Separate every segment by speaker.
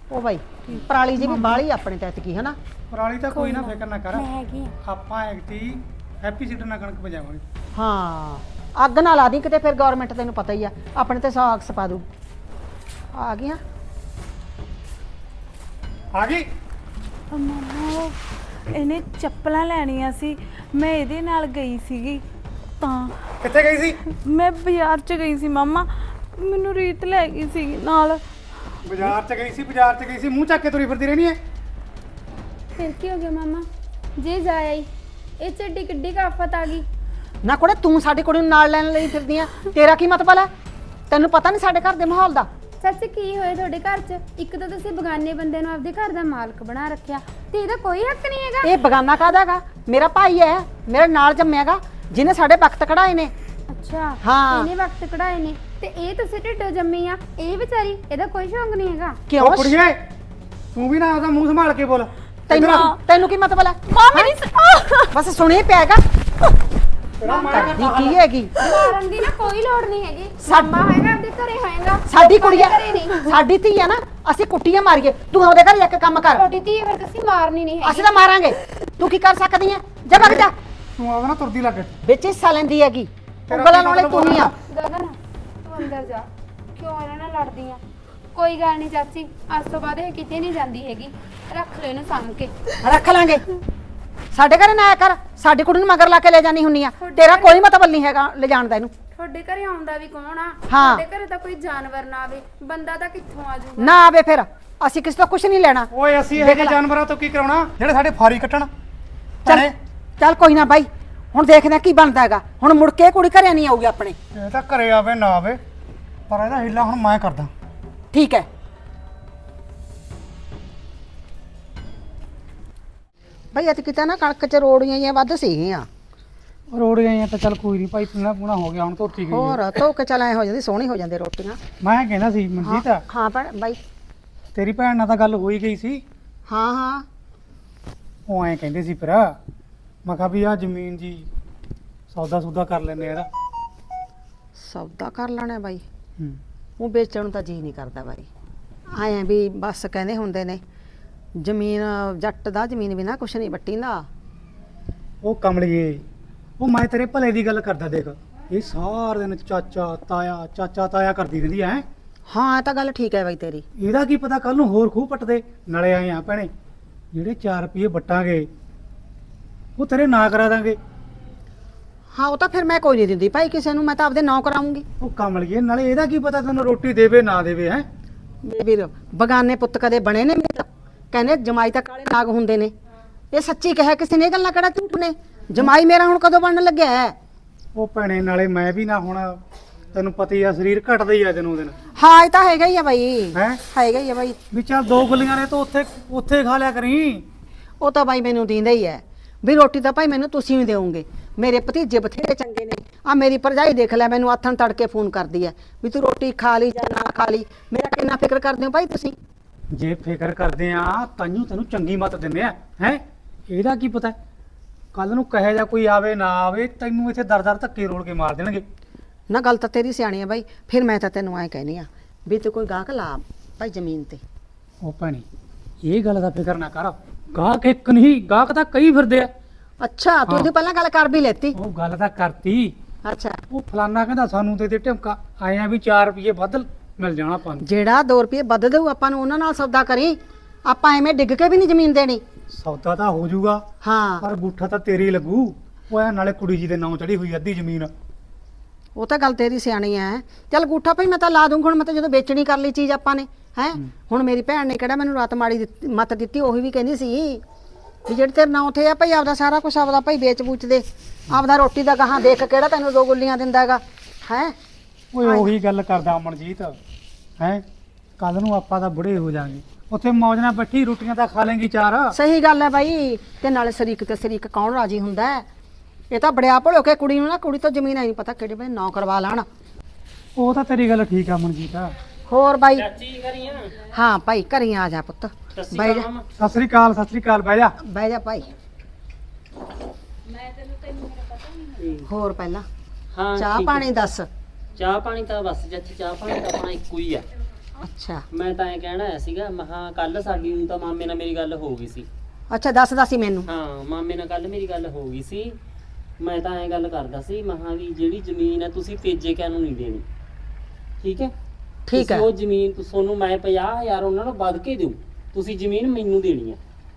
Speaker 1: ਉਹ ਬਾਈ ਪਰਾਲੀ ਜੀ ਵੀ ਬਾਹਲੀ ਆਪਣੇ ਤੇ ਐਤਕੀ ਹਨਾ।
Speaker 2: ਪਰਾਲੀ ਤਾਂ ਕੋਈ ਨਾ ਫਿਕਰ ਨਾ ਕਰ,
Speaker 3: ਮੈਂ ਹੈਗੀ ਆ।
Speaker 2: ਆਪਾਂ ਐਕਟੀ ਹੈਪੀ ਸੀਡਰ ਨਾਲ ਕਣਕ ਪਜਾਵਾਂਗੇ।
Speaker 1: ਹਾਂ ਅੱਗ ਨਾ ਲਾ ਦੀ ਕਿਤੇ, ਫਿਰ ਗਵਰਨਮੈਂਟ ਤੈਨੂੰ ਪਤਾ ਹੀ ਆ ਆਪਣੇ ਤੇ ਸਾਗ ਸਪਾ ਦੂ। ਆ ਗਈਆਂ
Speaker 2: ਆ ਗਈ।
Speaker 3: ਮੰਮਾ ਇਹਨੇ ਚੱਪਲਾਂ ਲੈਣੀਆਂ ਸੀ, ਮੈਂ ਇਹਦੇ ਨਾਲ ਗਈ ਸੀਗੀ ਤਾਂ।
Speaker 2: ਕਿੱਥੇ ਗਈ ਸੀ?
Speaker 3: ਮੈਂ ਬਾਜ਼ਾਰ 'ਚ ਗਈ ਸੀ ਮੰਮਾ, ਮੈਨੂੰ ਰੀਤ ਲੈ ਗਈ ਸੀ ਨਾਲ।
Speaker 2: ਬਾਜ਼ਾਰ 'ਚ ਗਈ ਸੀ, ਬਾਜ਼ਾਰ 'ਚ ਗਈ ਸੀ, ਮੂੰਹ ਚੱਕ ਕੇ ਤੁਰੀ ਫਿਰਦੀ ਰਹਿਣੀ ਹੈ।
Speaker 4: ਫਿਰ ਕੀ ਹੋ ਗਿਆ ਮਾਮਾ? ਜੇ ਜਾਇਆ ਹੀ ਇਹ ਚੱਡੀ ਕਿੱਡੀ ਕਾਫਤ ਆ ਗਈ।
Speaker 1: ਨਾ ਕੁੜੇ ਤੂੰ ਸਾਡੀ ਕੁੜੀ ਨੂੰ ਨਾਲ ਲੈਣ ਲਈ ਫਿਰਦੀ ਆ, ਤੇਰਾ ਕੀ ਮਤਲਬ ਹੈ? ਤੈਨੂੰ ਪਤਾ ਨਹੀਂ ਸਾਡੇ ਘਰ ਦੇ ਮਾਹੌਲ ਦਾ।
Speaker 4: ਸੱਚ ਕੀ ਹੋਇਆ ਤੁਹਾਡੇ ਘਰ 'ਚ? ਇੱਕ ਤਾਂ ਤੁਸੀਂ ਬਗਾਨੇ ਬੰਦੇ ਨੂੰ ਆਪਦੇ ਘਰ ਦਾ ਮਾਲਕ ਬਣਾ ਰੱਖਿਆ ਤੇ ਇਹਦਾ ਕੋਈ ਹੱਕ ਨਹੀਂ ਹੈਗਾ।
Speaker 1: ਇਹ ਬਗਾਨਾ ਕਾਹਦਾ ਹੈਗਾ? ਮੇਰਾ ਭਾਈ ਹੈ, ਮੇਰੇ ਨਾਲ ਜੰਮਿਆਗਾ, ਜਿਹਨੇ ਸਾਡੇ ਵਕਤ ਕਢਾਏ ਨੇ।
Speaker 4: ਅੱਛਾ
Speaker 1: ਹਾਂ।
Speaker 4: ਇਹਨੇ ਵਕਤ ਕਢਾਏ ਨੇ ਤੇ ਇਹ ਤੁਸੀਂ ਢਿੱਡੋਂ ਜੰਮੀ ਆ, ਇਹ ਵਿਚਾਰੀ ਇਹਦਾ ਕੋਈ ਸ਼ੌਂਕ ਨਹੀਂ ਹੈਗਾ।
Speaker 1: ਕਿਉਂ?
Speaker 2: ਉਹ ਕੁੜੀਏ ਤੂੰ ਵੀ ਨਾ ਆਪਦਾ ਮੂੰਹ ਸੰਭਾਲ ਕੇ ਬੋਲ।
Speaker 1: ਤੈਨੂੰ ਕੀ ਮਤਲਬ ਹੈ?
Speaker 3: ਮਾਮੀ ਨਹੀਂ
Speaker 1: ਬਸ ਸੁਣੀ ਪਿਆਗਾ ਕਰਦੀ ਕੀ ਹੈਗੀ।
Speaker 4: ਮਾਰਨ ਦੀ ਨਾ ਕੋਈ ਲੋੜ ਨਹੀਂ ਹੈਗੀ।
Speaker 1: ਸਾਡਾ
Speaker 4: ਮਾਮਾ ਹੈਗਾ ਆਪਦੇ ਘਰੇ ਹੋਏਗਾ,
Speaker 1: ਸਾਡੀ ਕੁੜੀ ਆ,
Speaker 4: ਘਰੇ ਨਹੀਂ।
Speaker 1: ਸਾਡੀ ਧੀ ਆ ਨਾ, ਅਸੀਂ ਕੁੱਟੀਆਂ ਮਾਰੀਏ, ਤੂੰ ਉਹਦੇ ਘਰ ਜਾ ਕੇ ਕੰਮ ਕਰ।
Speaker 4: ਤੁਹਾਡੀ ਧੀ ਫਿਰ ਤੁਸੀਂ ਮਾਰਨੀ ਨਹੀਂ ਹੈਗੀ।
Speaker 1: ਅਸੀਂ ਤਾਂ ਮਾਰਾਂਗੇ, ਤੂੰ ਕੀ ਕਰ ਸਕਦੀ ਹੈ? ਜਾ ਵਗ ਜਾ।
Speaker 2: ਤੂੰ ਆਪਦਾ ਨਾ ਤੁਰਦੀ ਲੱਗ।
Speaker 1: ਵਿੱਚ ਹਿੱਸਾ ਲੈਂਦੀ ਹੈਗੀ, ਉਂਗਲਾਂ ਵਾਲੇ ਤੂੰ ਹੀ ਆ।
Speaker 4: ਗਗਨ ਤੂੰ ਅੰਦਰ ਜਾ, ਕਿਉਂ ਇਹਨਾਂ ਨਾਲ ਲੜਦੀ ਆ? ਕੋਈ ਗੱਲ ਨਹੀਂ ਚਾਚੀ, ਅੱਜ ਤੋਂ ਬਾਅਦ ਇਹ ਕਿਤੇ ਨਹੀਂ ਜਾਂਦੀ ਹੈਗੀ, ਰੱਖ ਲੈ ਇਹਨੂੰ ਸਾਂਭ ਕੇ।
Speaker 1: ਰੱਖ ਲਾਂਗੇ। ਸਾਡੇ ਘਰੇ ਨਾ ਆਇਆ ਕਰ, ਸਾਡੀ ਕੁੜੀ ਨੂੰ ਮਗਰ ਲਾ ਕੇ ਲੈ ਜਾਣੀ ਹੁੰਨੀ ਆ। ਤੇਰਾ ਕੋਈ ਮਤਲਬ ਨਹੀਂ ਹੈਗਾ ਲੈ ਜਾਣ ਦਾ ਇਹਨੂੰ।
Speaker 4: ਤੁਹਾਡੇ ਘਰੇ ਆਉਂਦਾ ਵੀ ਕੌਣ ਆ?
Speaker 1: ਹਾਂ।
Speaker 4: ਤੁਹਾਡੇ ਘਰੇ ਤਾਂ ਕੋਈ ਜਾਨਵਰ ਨਾ ਆਵੇ, ਬੰਦਾ ਤਾਂ ਕਿੱਥੋਂ ਆ ਜਾਊਗਾ?
Speaker 1: ਨਾ ਆਵੇ ਫਿਰ ਅਸੀਂ ਕਿਸੇ ਤੋਂ ਕੁਝ ਨਹੀਂ ਲੈਣਾ।
Speaker 2: ਓਏ ਅਸੀਂ ਇਹ ਜਿਹੇ ਜਾਨਵਰਾਂ ਤੋਂ ਕੀ ਕਰਾਉਣਾ ਜਿਹੜੇ ਸਾਡੇ ਫਾਰੀ ਕੱਟਣ?
Speaker 1: ਚੱਲ ਚੱਲ ਕੋਈ ਨਾ ਬਾਈ, ਹੁਣ ਦੇਖਦੇ ਆ ਕੀ ਬਣਦਾ ਹੈਗਾ। ਹੁਣ ਮੁੜ ਕੇ ਕੁੜੀ ਘਰੇ ਨਹੀਂ ਆਊਗੀ ਆਪਣੇ।
Speaker 2: ਇਹ ਤਾਂ ਘਰੇ ਆਵੇ ਨਾ ਆਵੇ, ਪਰ ਇਹਦਾ ਹਿੱਲਾ ਹੁਣ ਮੈਂ ਕਰਦਾ।
Speaker 1: ਠੀਕ ਹੈ ਭਾਈ, ਅੱਜ ਕਿਤਾ ਨਾ ਕਣਕ ਚ ਰੋੜੀਆਂ ਜਾਂ ਵੱਧ ਸੀਗੀਆਂ।
Speaker 2: ਰੋੜ ਗਏ ਆ ਤਾਂ ਚੱਲ ਕੋਈ ਨਹੀਂ ਭਾਈ, ਪੂਣਾ ਪੂਣਾ ਹੋ ਗਿਆ ਹੁਣ, ਧੋਤੀ ਗਈ
Speaker 1: ਹੋਰ ਧੋ ਕੇ ਚੱਲ ਐ ਹੋ ਜਾਂਦੀ, ਸੋਹਣੀ ਹੋ ਜਾਂਦੀ ਰੋਟੀਆਂ।
Speaker 2: ਮੈਂ ਕਹਿੰਦਾ ਸੀ ਮਨਜੀਤ,
Speaker 1: ਹਾਂ ਬਾਈ।
Speaker 2: ਤੇਰੀ ਭੈਣ ਨਾਲ ਤਾਂ ਗੱਲ ਹੋਈ ਗਈ ਸੀ।
Speaker 1: ਹਾਂ ਹਾਂ
Speaker 2: ਉਹ ਐਂ ਕਹਿੰਦੇ ਸੀ ਫਿਰ, ਮੈਂ ਕਿਹਾ ਵੀ ਆ ਜ਼ਮੀਨ ਜੀ ਸੌਦਾ ਸੂਦਾ ਕਰ ਲੈਨੇ ਇਹਦਾ।
Speaker 1: ਸੌਦਾ ਕਰ ਲੈਣਾ ਬਾਈ।
Speaker 2: ਹੂੰ।
Speaker 1: ਉਹ ਵੇਚਣ ਨੂੰ ਤਾਂ ਜੀ ਨਹੀਂ ਕਰਦਾ ਬਾਈ। ਆਏ ਵੀ ਬਸ ਕਹਿੰਦੇ ਹੁੰਦੇ ਨੇ ਜ਼ਮੀਨ ਜੱਟ ਦਾ ਜ਼ਮੀਨ ਬਿਨਾ ਕੁਛ ਨਹੀਂ ਵੱਟੀ ਦਾ।
Speaker 2: ਉਹ ਕਮਲੀਏ, ਉਹ ਮੈਂ ਤੇਰੇ ਭਲੇ ਦੀ ਗੱਲ ਕਰਦਾ। ਦੇਖ ਇਹ ਸਾਰਾ ਦਿਨ ਚਾਚਾ ਤਾਇਆ ਕਰਦੀ ਰਹਿੰਦੀ ਐ।
Speaker 1: ਹਾਂ ਇਹ ਤਾਂ ਗੱਲ ਠੀਕ ਹੈ ਬਾਈ ਤੇਰੀ।
Speaker 2: ਇਹਦਾ ਕੀ ਪਤਾ ਕੱਲ ਨੂੰ ਹੋਰ ਖੂਹ ਪੱਟਦੇ। ਨਾਲੇ ਆਏ ਆ ਭੈਣੇ, ਜਿਹੜੇ 4 ਰੁਪਏ ਵੱਟਾਂਗੇ ਉਹ ਤੇਰੇ ਨਾਂ ਕਰਾ ਦਾਂਗੇ।
Speaker 1: ਹਾਂ ਉਹ ਤਾਂ ਫਿਰ ਮੈਂ ਕੋਈ ਨਹੀਂ ਦਿੰਦੀ ਭਾਈ ਕਿਸੇ ਨੂੰ, ਮੈਂ ਤਾਂ ਆਪਦੇ ਨਾਂ ਕਰਾਉਂਗੀ।
Speaker 2: ਉਹ ਕਮਲੀਏ, ਨਾਲੇ ਇਹਦਾ ਕੀ ਪਤਾ ਤੈਨੂੰ ਰੋਟੀ ਦੇਵੇ ਨਾ ਦੇਵੇ ਹੈ।
Speaker 1: ਮੇਰੇ ਵੀਰ ਬਗਾਨੇ ਪੁੱਤ ਕਦੇ ਬਣੇ ਨੇ ਮੇਰੇ? ਕਹਿੰਦੇ ਜਮਾਈ ਤਾਂ ਕਾਲੇ ਨਾਗ ਹੁੰਦੇ ਨੇ। ਇਹ ਸੱਚੀ ਕਿਹਾ ਕਿਸੇ ਨੇ, ਇਹ ਗੱਲਾਂ ਕਿਹੜਾ ਝੂਠ ਨੇ? ਜਮਾਈ ਮੇਰਾ ਹੁਣ ਕਦੋਂ ਬਣਨ ਲੱਗਿਆ ਹੈ?
Speaker 2: ਉਹ ਭੈਣੇ ਨਾਲੇ ਮੈਂ ਵੀ ਨਾ, ਹੁਣ ਤੈਨੂੰ ਪਤਾ ਹੀ ਆ ਸਰੀਰ ਘਟਦਾ ਹੀ ਆ ਦਿਨੋਂ ਦਿਨ।
Speaker 1: ਹਾਂ ਇਹ ਤਾਂ ਹੈਗਾ ਹੀ ਆ ਬਾਈ,
Speaker 2: ਹੈ
Speaker 1: ਹੈਗਾ ਹੀ ਆ ਬਾਈ।
Speaker 2: ਵੀ ਚੱਲ 2 ਗੁੱਲੀਆਂ ਨੇ ਤਾਂ ਉੱਥੇ ਖਾ ਲਿਆ ਕਰੀ।
Speaker 1: ਉਹ ਤਾਂ ਬਾਈ ਮੈਨੂੰ ਦਿੰਦਾ ਹੀ ਹੈ ਵੀ ਰੋਟੀ ਤਾਂ ਭਾਈ ਮੈਨੂੰ ਤੁਸੀਂ ਵੀ ਦਿਓਗੇ। ਮੇਰੇ ਭਤੀਜੇ ਬਥੇਰੇ ਚੰਗੇ ਨੇ। ਆ ਮੇਰੀ ਭਰਜਾਈ ਦੇਖ ਲੈ, ਮੈਨੂੰ ਆਥਣ ਤੜਕੇ ਫੋਨ ਕਰਦੀ ਹੈ ਵੀ ਤੂੰ ਰੋਟੀ ਖਾ ਲਈ ਜਾਂ ਨਾ ਖਾ ਲਈ। ਮੇਰਾ ਕਿੰਨਾ ਫਿਕਰ ਕਰਦੇ ਹੋ ਭਾਈ ਤੁਸੀਂ।
Speaker 2: ਜੇ ਫਿਕਰ ਕਰਦੇ ਆ ਤਾਈਓ ਤੈਨੂੰ ਚੰਗੀ ਮੱਤ ਦਿੰਦੇ ਆ। ਹੈ ਇਹਦਾ ਕੀ ਪਤਾ ਕੱਲ ਨੂੰ ਕਹੇ ਜਾ ਕੋਈ ਆਵੇ ਨਾ ਆਵੇ, ਤੈਨੂੰ ਇੱਥੇ ਦਰ ਧੱਕੇ ਰੋਲ ਕੇ ਮਾਰ ਦੇਣਗੇ।
Speaker 1: ਨਾ ਗੱਲ ਤਾਂ ਤੇਰੀ ਸਿਆਣੀ ਆ ਬਾਈ। ਫਿਰ ਮੈਂ ਤਾਂ ਤੈਨੂੰ ਐਂ ਕਹਿਨੀ ਆ ਵੀ ਤੂੰ ਕੋਈ ਗਾਹਕ ਲਾ ਭਾਈ ਜ਼ਮੀਨ ਤੇ।
Speaker 2: ਉਹ ਭੈਣੀ ਇਹ ਗੱਲ ਦਾ ਫਿਕਰ ਨਾ ਕਰ, ਗਾਹਕ ਇੱਕ ਨਹੀਂ ਗਾਹਕ ਤਾਂ ਕਈ ਫਿਰਦੇ ਆ।
Speaker 1: ਅੱਛਾ ਤੂੰ ਇਹਦੀ ਪਹਿਲਾਂ ਗੱਲ ਕਰ ਵੀ ਲੈਤੀ।
Speaker 2: ਉਹ ਗੱਲ ਤਾਂ ਕਰਤੀ।
Speaker 1: ਅੱਛਾ
Speaker 2: ਉਹ ਫਲਾਨਾ ਕਹਿੰਦਾ ਸਾਨੂੰ ਦੇ ਢਿਮਕਾ ਆਏ ਆ ਵੀ 4 ਰੁਪਏ ਵੱਧ ਮਿਲ ਜਾਣਾ ਆਪਾਂ ਨੂੰ।
Speaker 1: ਜਿਹੜਾ 2 ਰੁਪਏ ਵੱਧ ਦੇਊ ਆਪਾਂ ਨੂੰ ਉਹਨਾਂ ਨਾਲ ਸੌਦਾ ਕਰੀ। ਆਪਾਂ ਐਵੇਂ ਡਿੱਗ ਕੇ ਵੀ ਨਹੀਂ ਜ਼ਮੀਨ ਦੇਣੀ।
Speaker 2: ਸੌਦਾ ਤਾਂ ਹੋ ਜਾਊਗਾ,
Speaker 1: ਹਾਂ
Speaker 2: ਪਰ ਗੂਠਾ ਤਾਂ ਤੇਰੇ ਹੀ ਲੱਗੂ। ਉਹ ਐ ਨਾਲੇ ਕੁੜੀ ਜੀ ਦੇ ਨਾਂ ਚੜੀ ਹੋਈ ਅੱਧੀ ਜ਼ਮੀਨ।
Speaker 1: ਉਹ ਤਾਂ ਗੱਲ ਤੇਰੀ ਸਿਆਣੀ ਐ। ਚੱਲ ਗੂਠਾ ਭਾਈ ਮੈਂ ਤਾਂ ਲਾ ਦੂੰਗਾ। ਹੁਣ ਮੈਂ ਤਾਂ ਜਦੋਂ ਵੇਚਣੀ ਕਰ ਲਈ ਚੀਜ਼ ਆਪਾਂ ਨੇ ਹੈ। ਹੁਣ ਮੇਰੀ ਭੈਣ ਨੇ ਕਿਹੜਾ ਮੈਨੂੰ ਰਾਤ ਮਾੜੀ ਮੱਤ ਦਿੱਤੀ। ਉਹੀ ਵੀ ਕਹਿੰਦੀ ਸੀ ਵੀ ਜਿਹੜੇ ਤੇਰੇ ਨਾਂ ਉੱਥੇ ਆ ਭਾਈ ਆਪਦਾ ਸਾਰਾ ਕੁਝ ਆਪਦਾ ਭਾਈ ਵੇਚ ਬੂਚ ਦੇ, ਆਪਦਾ ਰੋਟੀ ਦਾ ਗਾਹਾਂ ਦੇਖ ਕਿਹੜਾ ਤੈਨੂੰ 2 ਗੁੱਲੀਆਂ ਦਿੰਦਾ ਹੈਗਾ ਹੈ।
Speaker 2: ਓਏ ਉਹੀ ਗੱਲ ਕਰਦਾ ਅਮਨਜੀਤ, ਹੈ ਕੱਲ ਨੂੰ ਆਪਾਂ ਤਾਂ ਬੁੜੇ ਹੋ ਜਾਾਂਗੇ, ਉੱਥੇ ਮੌਜ ਨਾਲ ਬੈਠੀ ਰੋਟੀਆਂ ਤਾਂ ਖਾ ਲੇਂਗੀ 4।
Speaker 1: ਸਹੀ ਗੱਲ ਹੈ ਬਾਈ। ਤੇ ਨਾਲੇ ਸ਼ਰੀਕ ਤੇ ਸ਼ਰੀਕ ਕੌਣ ਰਾਜੀ ਹੁੰਦਾ ਹੈ? ਇਹ ਤਾਂ ਬੜਿਆ ਭੜੋ ਕੇ ਕੁੜੀ ਨੂੰ ਨਾ, ਕੁੜੀ ਤੋਂ ਜ਼ਮੀਨ ਨਹੀਂ ਪਤਾ ਕਿਹੜੇ ਵੇਲੇ ਨਾਂ ਕਰਵਾ ਲੈਣ।
Speaker 2: ਉਹ ਤਾਂ ਤੇਰੀ ਗੱਲ ਠੀਕ ਆ ਅਮਨਜੀਤ।
Speaker 1: ਹੋਰ ਬਾਈ?
Speaker 5: ਚਾਚੀ ਕਰੀਆਂ।
Speaker 1: ਹਾਂ ਭਾਈ ਘਰੇ ਆ ਜਾ ਪੁੱਤ, ਬਹਿ ਜਾ
Speaker 2: ਸਤਿ ਸ੍ਰੀ ਅਕਾਲ ਬਹਿ ਜਾ।
Speaker 1: ਬਹਿ ਜਾ ਭਾਈ। ਹੋਰ ਪਹਿਲਾਂ
Speaker 5: ਹਾਂ
Speaker 1: ਚਾਹ
Speaker 5: ਠੀਕ
Speaker 1: ਪਾਣੀ ਦੱਸ।
Speaker 5: ਚਾਹ ਪਾਣੀ ਤਾਂ ਬਸ ਚਾਚੀ, ਚਾਹ ਪਾਣੀ ਤਾਂ ਆਪਣਾ ਇੱਕੋ ਹੀ ਆ।
Speaker 1: ਅੱਛਾ
Speaker 5: ਮੈਂ ਤਾਂ ਐ ਕਹਿਣਾ ਆਇਆ ਸੀਗਾ ਮਹਾ ਕੱਲ ਸਾਡੀ ਨੂੰ ਤਾਂ ਮਾਮੇ ਨਾਲ ਮੇਰੀ ਗੱਲ ਹੋ ਗਈ ਸੀ।
Speaker 1: ਅੱਛਾ ਦੱਸਦਾ ਸੀ ਮੈਨੂੰ।
Speaker 5: ਹਾਂ ਮਾਮੇ ਨਾਲ ਕੱਲ ਮੇਰੀ ਗੱਲ ਹੋ ਗਈ ਸੀ। ਮੈਂ ਤਾਂ ਐ ਗੱਲ ਕਰਦਾ ਸੀ ਮਹਾ ਵੀ ਜਿਹੜੀ ਜ਼ਮੀਨ ਹੈ ਤੁਸੀਂ ਤੇਜੇ ਕਿਆਂ ਨੂੰ ਨਹੀਂ ਦੇਣੀ, ਠੀਕ ਹੈ?
Speaker 1: ਠੀਕ ਹੈ।
Speaker 5: ਤੁਸੀਂ ਉਹ ਜ਼ਮੀਨ ਤੁਹਾਨੂੰ ਮੈਂ 50,000 ਉਹਨਾਂ ਨੂੰ ਵੱਧ ਕੇ ਦਿਉ, ਤੁਸੀਂ ਜ਼ਮੀਨ ਮੈਨੂੰ ਦੇਣੀ ਹੈ।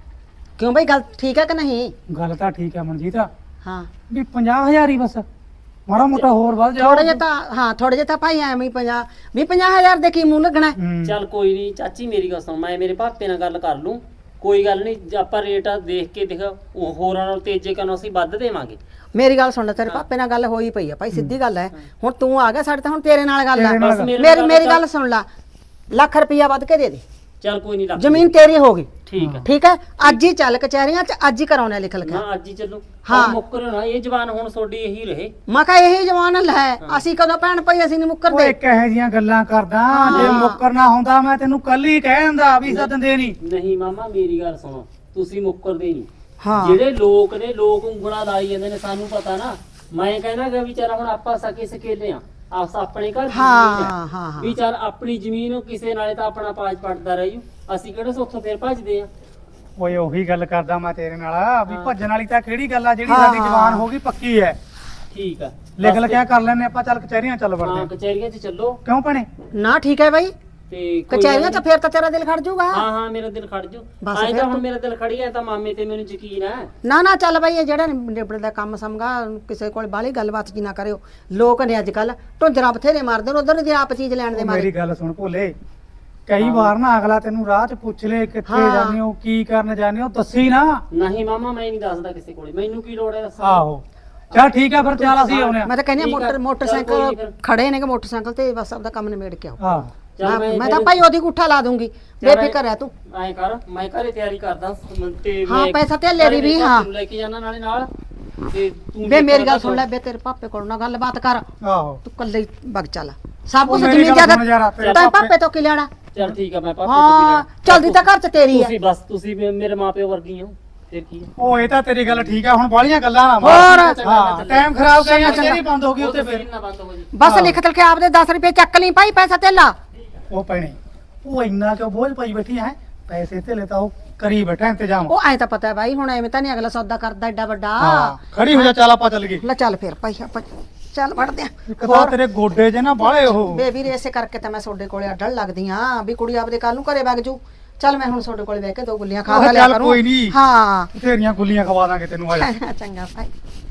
Speaker 1: ਕਿਉਂ ਬਈ ਗੱਲ ਠੀਕ ਹੈ ਕਿ ਨਹੀਂ?
Speaker 2: ਗੱਲ ਤਾਂ ਠੀਕ ਹੈ ਮਨਜੀਤ,
Speaker 1: ਹਾਂ
Speaker 2: ਵੀ 50,000 ਹੀ ਬਸ, ਮਾੜਾ ਮੋਟਾ ਹੋਰ ਵੱਧ ਜਾ।
Speaker 1: ਥੋੜੇ ਜਿਹਾ ਤਾਂ ਹਾਂ ਥੋੜੇ ਜਿਹਾ ਤਾਂ ਭਾਈ ਐਵੇਂ ਹੀ 50,000 ਦੇ ਕੀ ਮੂੰਹ ਲੱਗਣਾ ਹੈ?
Speaker 5: ਚੱਲ ਕੋਈ ਨਹੀਂ ਚਾਚੀ ਮੇਰੀ ਗੱਲ ਸੁਣ, ਮੈਂ ਮੇਰੇ ਭਾਪੇ ਨਾਲ ਗੱਲ ਕਰ ਲੂੰ, ਕੋਈ ਗੱਲ ਨਹੀਂ ਆਪਾਂ ਰੇਟ ਦੇਖ ਕੇ ਦੇਖ ਉਹ ਹੋਰਾਂ ਨਾਲ ਤੇਜੇ ਕਿਆਂ ਨੂੰ ਅਸੀਂ ਵੱਧ ਦੇਵਾਂਗੇ।
Speaker 1: ਮੇਰੀ ਗੱਲ ਸੁਣ ਲੈ, ਤੇਰੇ ਪਾਪੇ ਨਾਲ ਗੱਲ ਹੋਈ ਪਈ ਆ ਭਾਈ, ਸਿੱਧੀ ਗੱਲ ਹੈ। ਹੁਣ ਤੂੰ ਆ ਗਿਆ ਸਾਡੇ ਤਾਂ ਹੁਣ ਤੇਰੇ ਨਾਲ ਗੱਲ ਆ।
Speaker 2: ਤੇਰੇ ਨਾਲ
Speaker 5: ਗੱਲ।
Speaker 1: ਮੇਰੀ ਗੱਲ ਸੁਣ ਲੈ, ਲੱਖ ਰੁਪਇਆ ਵੱਧ ਕੇ ਦੇ ਦੇ,
Speaker 5: ਚੱਲ ਕੋਈ ਨਹੀਂ,
Speaker 1: ਜ਼ਮੀਨ ਤੇਰੀ ਹੋ ਗਈ।
Speaker 5: ਠੀਕ ਹੈ।
Speaker 1: ਠੀਕ ਹੈ, ਅੱਜ ਹੀ ਚੱਲ ਕਚਹਿਰੀਆਂ 'ਚ, ਅੱਜ ਹੀ ਕਰਾਉਣਾ ਲਿਖ ਲਿਖਿਆ।
Speaker 5: ਹਾਂ ਅੱਜ ਹੀ ਚੱਲੋ।
Speaker 1: ਹਾਂ।
Speaker 5: ਮੁੱਕਰ ਨਾ ਇਹ ਜਵਾਨ ਹੁਣ ਤੁਹਾਡੀ ਇਹੀ ਰਹੇ।
Speaker 1: ਮੈਂ ਕਿਹਾ ਇਹੀ ਜਵਾਨ ਲੈ, ਅਸੀਂ ਕਦੋਂ ਭੈਣ ਭਾਈ ਅਸੀਂ ਨਹੀਂ
Speaker 2: ਓਏ
Speaker 1: ਮੁੱਕਰਦੇ।
Speaker 2: ਕਿਹੋ ਜੀਆਂ ਗੱਲਾਂ ਕਰਦਾ, ਜੇ ਮੁੱਕਰਨਾ ਹੁੰਦਾ ਮੈਂ ਤੈਨੂੰ ਕੱਲ ਹੀ ਕਹਿ ਦਿੰਦਾ ਵੀ ਸਦਨ ਦੇ ਨਹੀਂ।
Speaker 5: ਨਹੀਂ ਮਾਮਾ ਮੇਰੀ ਗੱਲ ਸੁਣੋ, ਤੁਸੀਂ ਮੁੱਕਰਦੇ ਨਹੀਂ।
Speaker 1: ਹਾਂ
Speaker 5: ਜਿਹੜੇ ਲੋਕ ਨੇ ਲੋਕ ਉਂਗਲਾਂ ਲਾਈ ਜਾਂਦੇ ਨੇ, ਸਾਨੂੰ ਪਤਾ ਨਾ। ਮੈਂ ਕਹਿੰਦਾ ਕਿ ਵਿਚਾਰਾ ਹੁਣ ਆਪਾਂ ਸਕੇ ਸਕੇਲੇ ਆ, ਆਸ ਆਪਣੇ ਘਰ ਦੀ
Speaker 1: ਹਾਂ,
Speaker 5: ਜ਼ਮੀਨ
Speaker 1: ਹਾਂ,
Speaker 5: ਹੈ।
Speaker 1: ਹਾਂ।
Speaker 5: ਵੀ ਚੱਲ ਆਪਣੀ ਜ਼ਮੀਨ ਕਿਸੇ ਨਾਲੇ ਤਾਂ ਆਪਣਾ ਪਾਜ ਪੜਦਾ ਰਹਿ ਜੂ, ਅਸੀਂ ਕਿਹੜੇ ਉੱਥੋਂ ਫੇਰ ਭੱਜਦੇ ਆ।
Speaker 2: ਓਏ ਉਹੀ ਗੱਲ ਕਰਦਾ ਮੈਂ ਤੇਰੇ ਨਾਲ ਵੀ
Speaker 5: ਹਾਂ।
Speaker 2: ਭੱਜਣ ਵਾਲੀ ਤਾਂ ਕਿਹੜੀ ਗੱਲ ਆ, ਜਿਹੜੀ
Speaker 1: ਹਾਂ,
Speaker 2: ਸਾਡੀ
Speaker 1: ਹਾਂ।
Speaker 2: ਜ਼ਬਾਨ ਹੋ ਗਈ ਪੱਕੀ ਹੈ।
Speaker 5: ਠੀਕ ਆ,
Speaker 2: ਲਿਖ
Speaker 5: ਬਸ
Speaker 2: ਲਿਖਿਆ ਕਰ ਲੈਨੇ ਆਪਾਂ, ਚੱਲ ਕਚਹਿਰੀਆਂ ਚੱਲ
Speaker 5: ਹਾਂ
Speaker 2: ਵੜਦੇ
Speaker 5: ਕਚਹਿਰੀਆਂ 'ਚ ਚੱਲੋ
Speaker 2: ਕਿਉਂ ਭੈਣੇ?
Speaker 1: ਨਾ ਠੀਕ ਹੈ ਬਾਈ,
Speaker 5: ਤੇ ਕੋਈ
Speaker 1: ਕਚਹਿਰੀਆਂ
Speaker 5: ਗੱਲ
Speaker 1: 'ਚ ਫੇਰ ਤਾਂ ਤੇਰਾ ਦਿਲ ਖੜ ਜਾਊਗਾ।
Speaker 5: ਹਾਂ ਹਾਂ ਮੇਰਾ ਦਿਲ ਖੜ ਜੂ।
Speaker 1: ਬਸ
Speaker 5: ਐਂ
Speaker 1: ਫਿਰ
Speaker 5: ਤਾਂ ਹੁਣ
Speaker 1: ਤੂੰ-
Speaker 5: ਮੇਰਾ ਦਿਲ ਖੜੀ ਐ ਤਾਂ ਮਾਮੇ ਤੇ ਮੈਨੂੰ ਯਕੀਨ ਹੈ।
Speaker 1: ਨਾ ਨਾ ਚੱਲ ਬਾਈ, ਇਹ ਜਿਹੜਾ ਨਿਬੜਦਾ ਕੰਮ ਸਮਗਾ, ਕਿਸੇ ਕੋਲ ਬਾਹਲੀ ਗੱਲਬਾਤ ਜੀ ਨਾ ਕਰਿਓ। ਲੋਕ ਨੇ ਅੱਜ ਕੱਲ ਢੁੰਜਰਾ ਬਥੇਰੇ ਮਾਰਦੇ ਨੇ, ਉਧਰ ਦੀ ਆਪ ਚੀਜ਼ ਲੈਣ ਦੇ
Speaker 2: ਉਹ
Speaker 1: ਮਾਰੇ।
Speaker 2: ਮੇਰੀ ਗੱਲ ਸੁਣ ਭੋਲੇ, ਕਈ ਵਾਰ ਨਾ ਅਗਲਾ ਤੈਨੂੰ ਰਾਹ 'ਚ ਪੁੱਛ ਲੇ ਕਿੱਥੇ
Speaker 1: ਹਾਂ।
Speaker 2: ਜਾਂਦੇ ਹੋ, ਕੀ ਕਰਨ ਜਾਂਦੇ ਹੋ, ਦੱਸੀ ਨਾ।
Speaker 5: ਨਹੀਂ ਮਾਮਾ ਮੈਂ ਨਹੀਂ ਦੱਸਦਾ ਕਿਸੇ ਕੋਲੇ, ਮੈਨੂੰ ਕੀ ਲੋੜ ਹੈ ਦੱਸਣ ਦੀ?
Speaker 2: ਆਹੋ ਚੱਲ ਠੀਕ ਹੈ ਫਿਰ, ਚੱਲ ਅਸੀਂ ਆਉਨੇ ਆ।
Speaker 1: ਮੈਂ ਤਾਂ ਕਹਿੰਦੀ
Speaker 5: ਠੀਕ ਆ,
Speaker 1: ਹਾਂ
Speaker 5: ਚੱਲ ਕੋਈ
Speaker 1: ਮੋਟਰਸਾਈਕਲ
Speaker 5: ਨੀ ਫਿਰ।
Speaker 1: ਖੜੇ ਨੇ ਕਿ ਮੋਟਰਸਾਈਕਲ ਤੇ ਬਸ ਆਪਦਾ ਕੰਮ ਨਿਬੇੜ ਕੇ ਆਓ।
Speaker 2: ਹਾਂ
Speaker 5: ਚੱਲ
Speaker 1: ਮੈਂ ਤਾਂ ਭਾਈ ਉਹਦੀ ਗੁੱਠਾ ਲਾ ਦੂੰਗੀ, ਬੇਫਿਕਰ ਹੈ ਤੂੰ।
Speaker 5: ਐਂ ਕਰ ਮੈਂ ਘਰੇ ਤਿਆਰੀ ਕਰਦਾ ਤੇ
Speaker 1: ਹਾਂ,
Speaker 5: ਮੈਂ
Speaker 1: ਪੈਸਾ ਧੇਲੇ ਦੀ ਵੀ, ਹਾਂ।
Speaker 5: ਲੈ ਕੇ ਜਾਣਾ ਨਾਲੇ ਨਾਲ ਤੇ ਤੂੰ
Speaker 1: ਵੇ ਮੇਰੀ
Speaker 5: ਦੇਖਣਾ
Speaker 1: ਗੱਲ ਸੁਣ ਲੈ, ਬੇ ਤੇਰੇ ਪਾਪੇ ਕੋਲ ਨਾ ਗੱਲਬਾਤ ਕਰ,
Speaker 2: ਆਹੋ
Speaker 1: ਤੂੰ ਕੱਲੇ ਹੀ ਵਗ ਚੱਲ। ਸਭ
Speaker 2: ਉਹ
Speaker 1: ਕੁਝ
Speaker 2: ਮੇਰੀ
Speaker 1: ਜ਼ਮੀਨ
Speaker 2: ਗੱਲ ਸੁਣ ਯਾਰ,
Speaker 1: ਜਾਇਦਾਦ
Speaker 2: ਤੇਰੇ
Speaker 1: ਤਾਂ
Speaker 2: ਪਾਪੇ-
Speaker 1: ਪਾਪੇ ਤੋਂ ਕੀ ਲੈਣਾ?
Speaker 5: ਚੱਲ ਠੀਕ ਆ, ਮੈਂ ਪਾਪੇ ਤੋਂ
Speaker 1: ਹਾਂ
Speaker 5: ਵੀ
Speaker 1: ਚਲਦੀ ਤਾਂ ਘਰ 'ਚ ਤੇਰੀ ਹੈ।
Speaker 5: ਤੁਸੀਂ ਬਸ ਤੁਸੀਂ ਮੇਰੇ ਮਾਪਿਓ ਵਰਗੀ ਹੋ, ਫਿਰ ਕੀ ਹੈ।
Speaker 2: ਉਹ ਇਹ ਤਾਂ ਤੇਰੀ ਗੱਲ ਠੀਕ ਆ, ਹੁਣ ਬਾਹਲੀਆਂ ਗੱਲਾਂ ਨਾ
Speaker 1: ਹੋਰ?
Speaker 2: ਹਾਂ ਟਾਈਮ ਖਰਾਬ ਕਰਿਆ, ਕਚਹਿਰੀ ਬੰਦ ਹੋ ਗਈ ਉੱਤੇ ਫਿਰ।
Speaker 5: ਨਾ ਬੰਦ ਹੋ ਜੀ।
Speaker 1: ਬਸ ਲਿਖ ਤਲ ਕੇ ਆਪਦੇ 10 ਰੁਪਏ ਚੱਕ ਲਈ ਭਾਈ, ਪੈਸਾ ਧੇਲਾ।
Speaker 2: ਉਹ ਭੈਣੇ ਉਹ ਇੰਨਾ ਕਿਉਂ ਬੋਝ ਪਾਈ ਬੈਠੀ ਹੈ, ਪੈਸੇ ਧੇਲੇ ਤਾਂ ਉਹ ਕਰੀ ਬੈਠਾ ਇੰਤਜ਼ਾਮ।
Speaker 1: ਉਹ ਐ ਤਾਂ ਪਤਾ ਹੈ ਬਾਈ, ਹੁਣ ਐਵੇਂ ਤਾਂ ਨਹੀਂ ਅਗਲਾ ਸੌਦਾ ਕਰਦਾ ਏਡਾ ਵੱਡਾ।
Speaker 2: ਹਾਂ ਖੜੀ ਹੋ ਜਾ, ਚੱਲ ਆਪਾਂ ਚੱਲ ਗਏ।
Speaker 1: ਲੈ ਚੱਲ ਫਿਰ ਭਾਈ, ਆਪਾਂ ਚੱਲ ਵੜਦੇ
Speaker 2: ਇੱਕ ਤਾਂ ਤੇਰੇ ਗੋਡੇ ਜੇ ਨਾ ਬਾਹਲੇ ਉਹ।
Speaker 1: ਬੇਬੀ ਇਸੇ ਕਰਕੇ ਤਾਂ ਮੈਂ ਤੁਹਾਡੇ ਕੋਲੇ ਅਡਲ ਲੱਗਦੀ ਆ ਵੀ ਕੁੜੀ ਆਪਦੇ ਕੱਲ ਨੂੰ ਘਰੇ ਵਗ ਜੂ। ਚੱਲ ਮੈਂ ਹੁਣ ਤੁਹਾਡੇ ਕੋਲੇ ਬਹਿ ਕੇ 2 ਗੁੱਲੀਆਂ ਖਾ
Speaker 2: ਉਹ
Speaker 1: ਲਿਆ
Speaker 2: ਚੱਲ
Speaker 1: ਕਰੂੰ।
Speaker 2: ਕੋਈ ਨੀ।
Speaker 1: ਹਾਂ
Speaker 2: ਤੇਰੀਆਂ ਗੁੱਲੀਆਂ ਖਵਾ ਦਾਂਗੇ ਤੈਨੂੰ, ਆ ਜਾ।
Speaker 1: ਚੰਗਾ ਭਾਈ।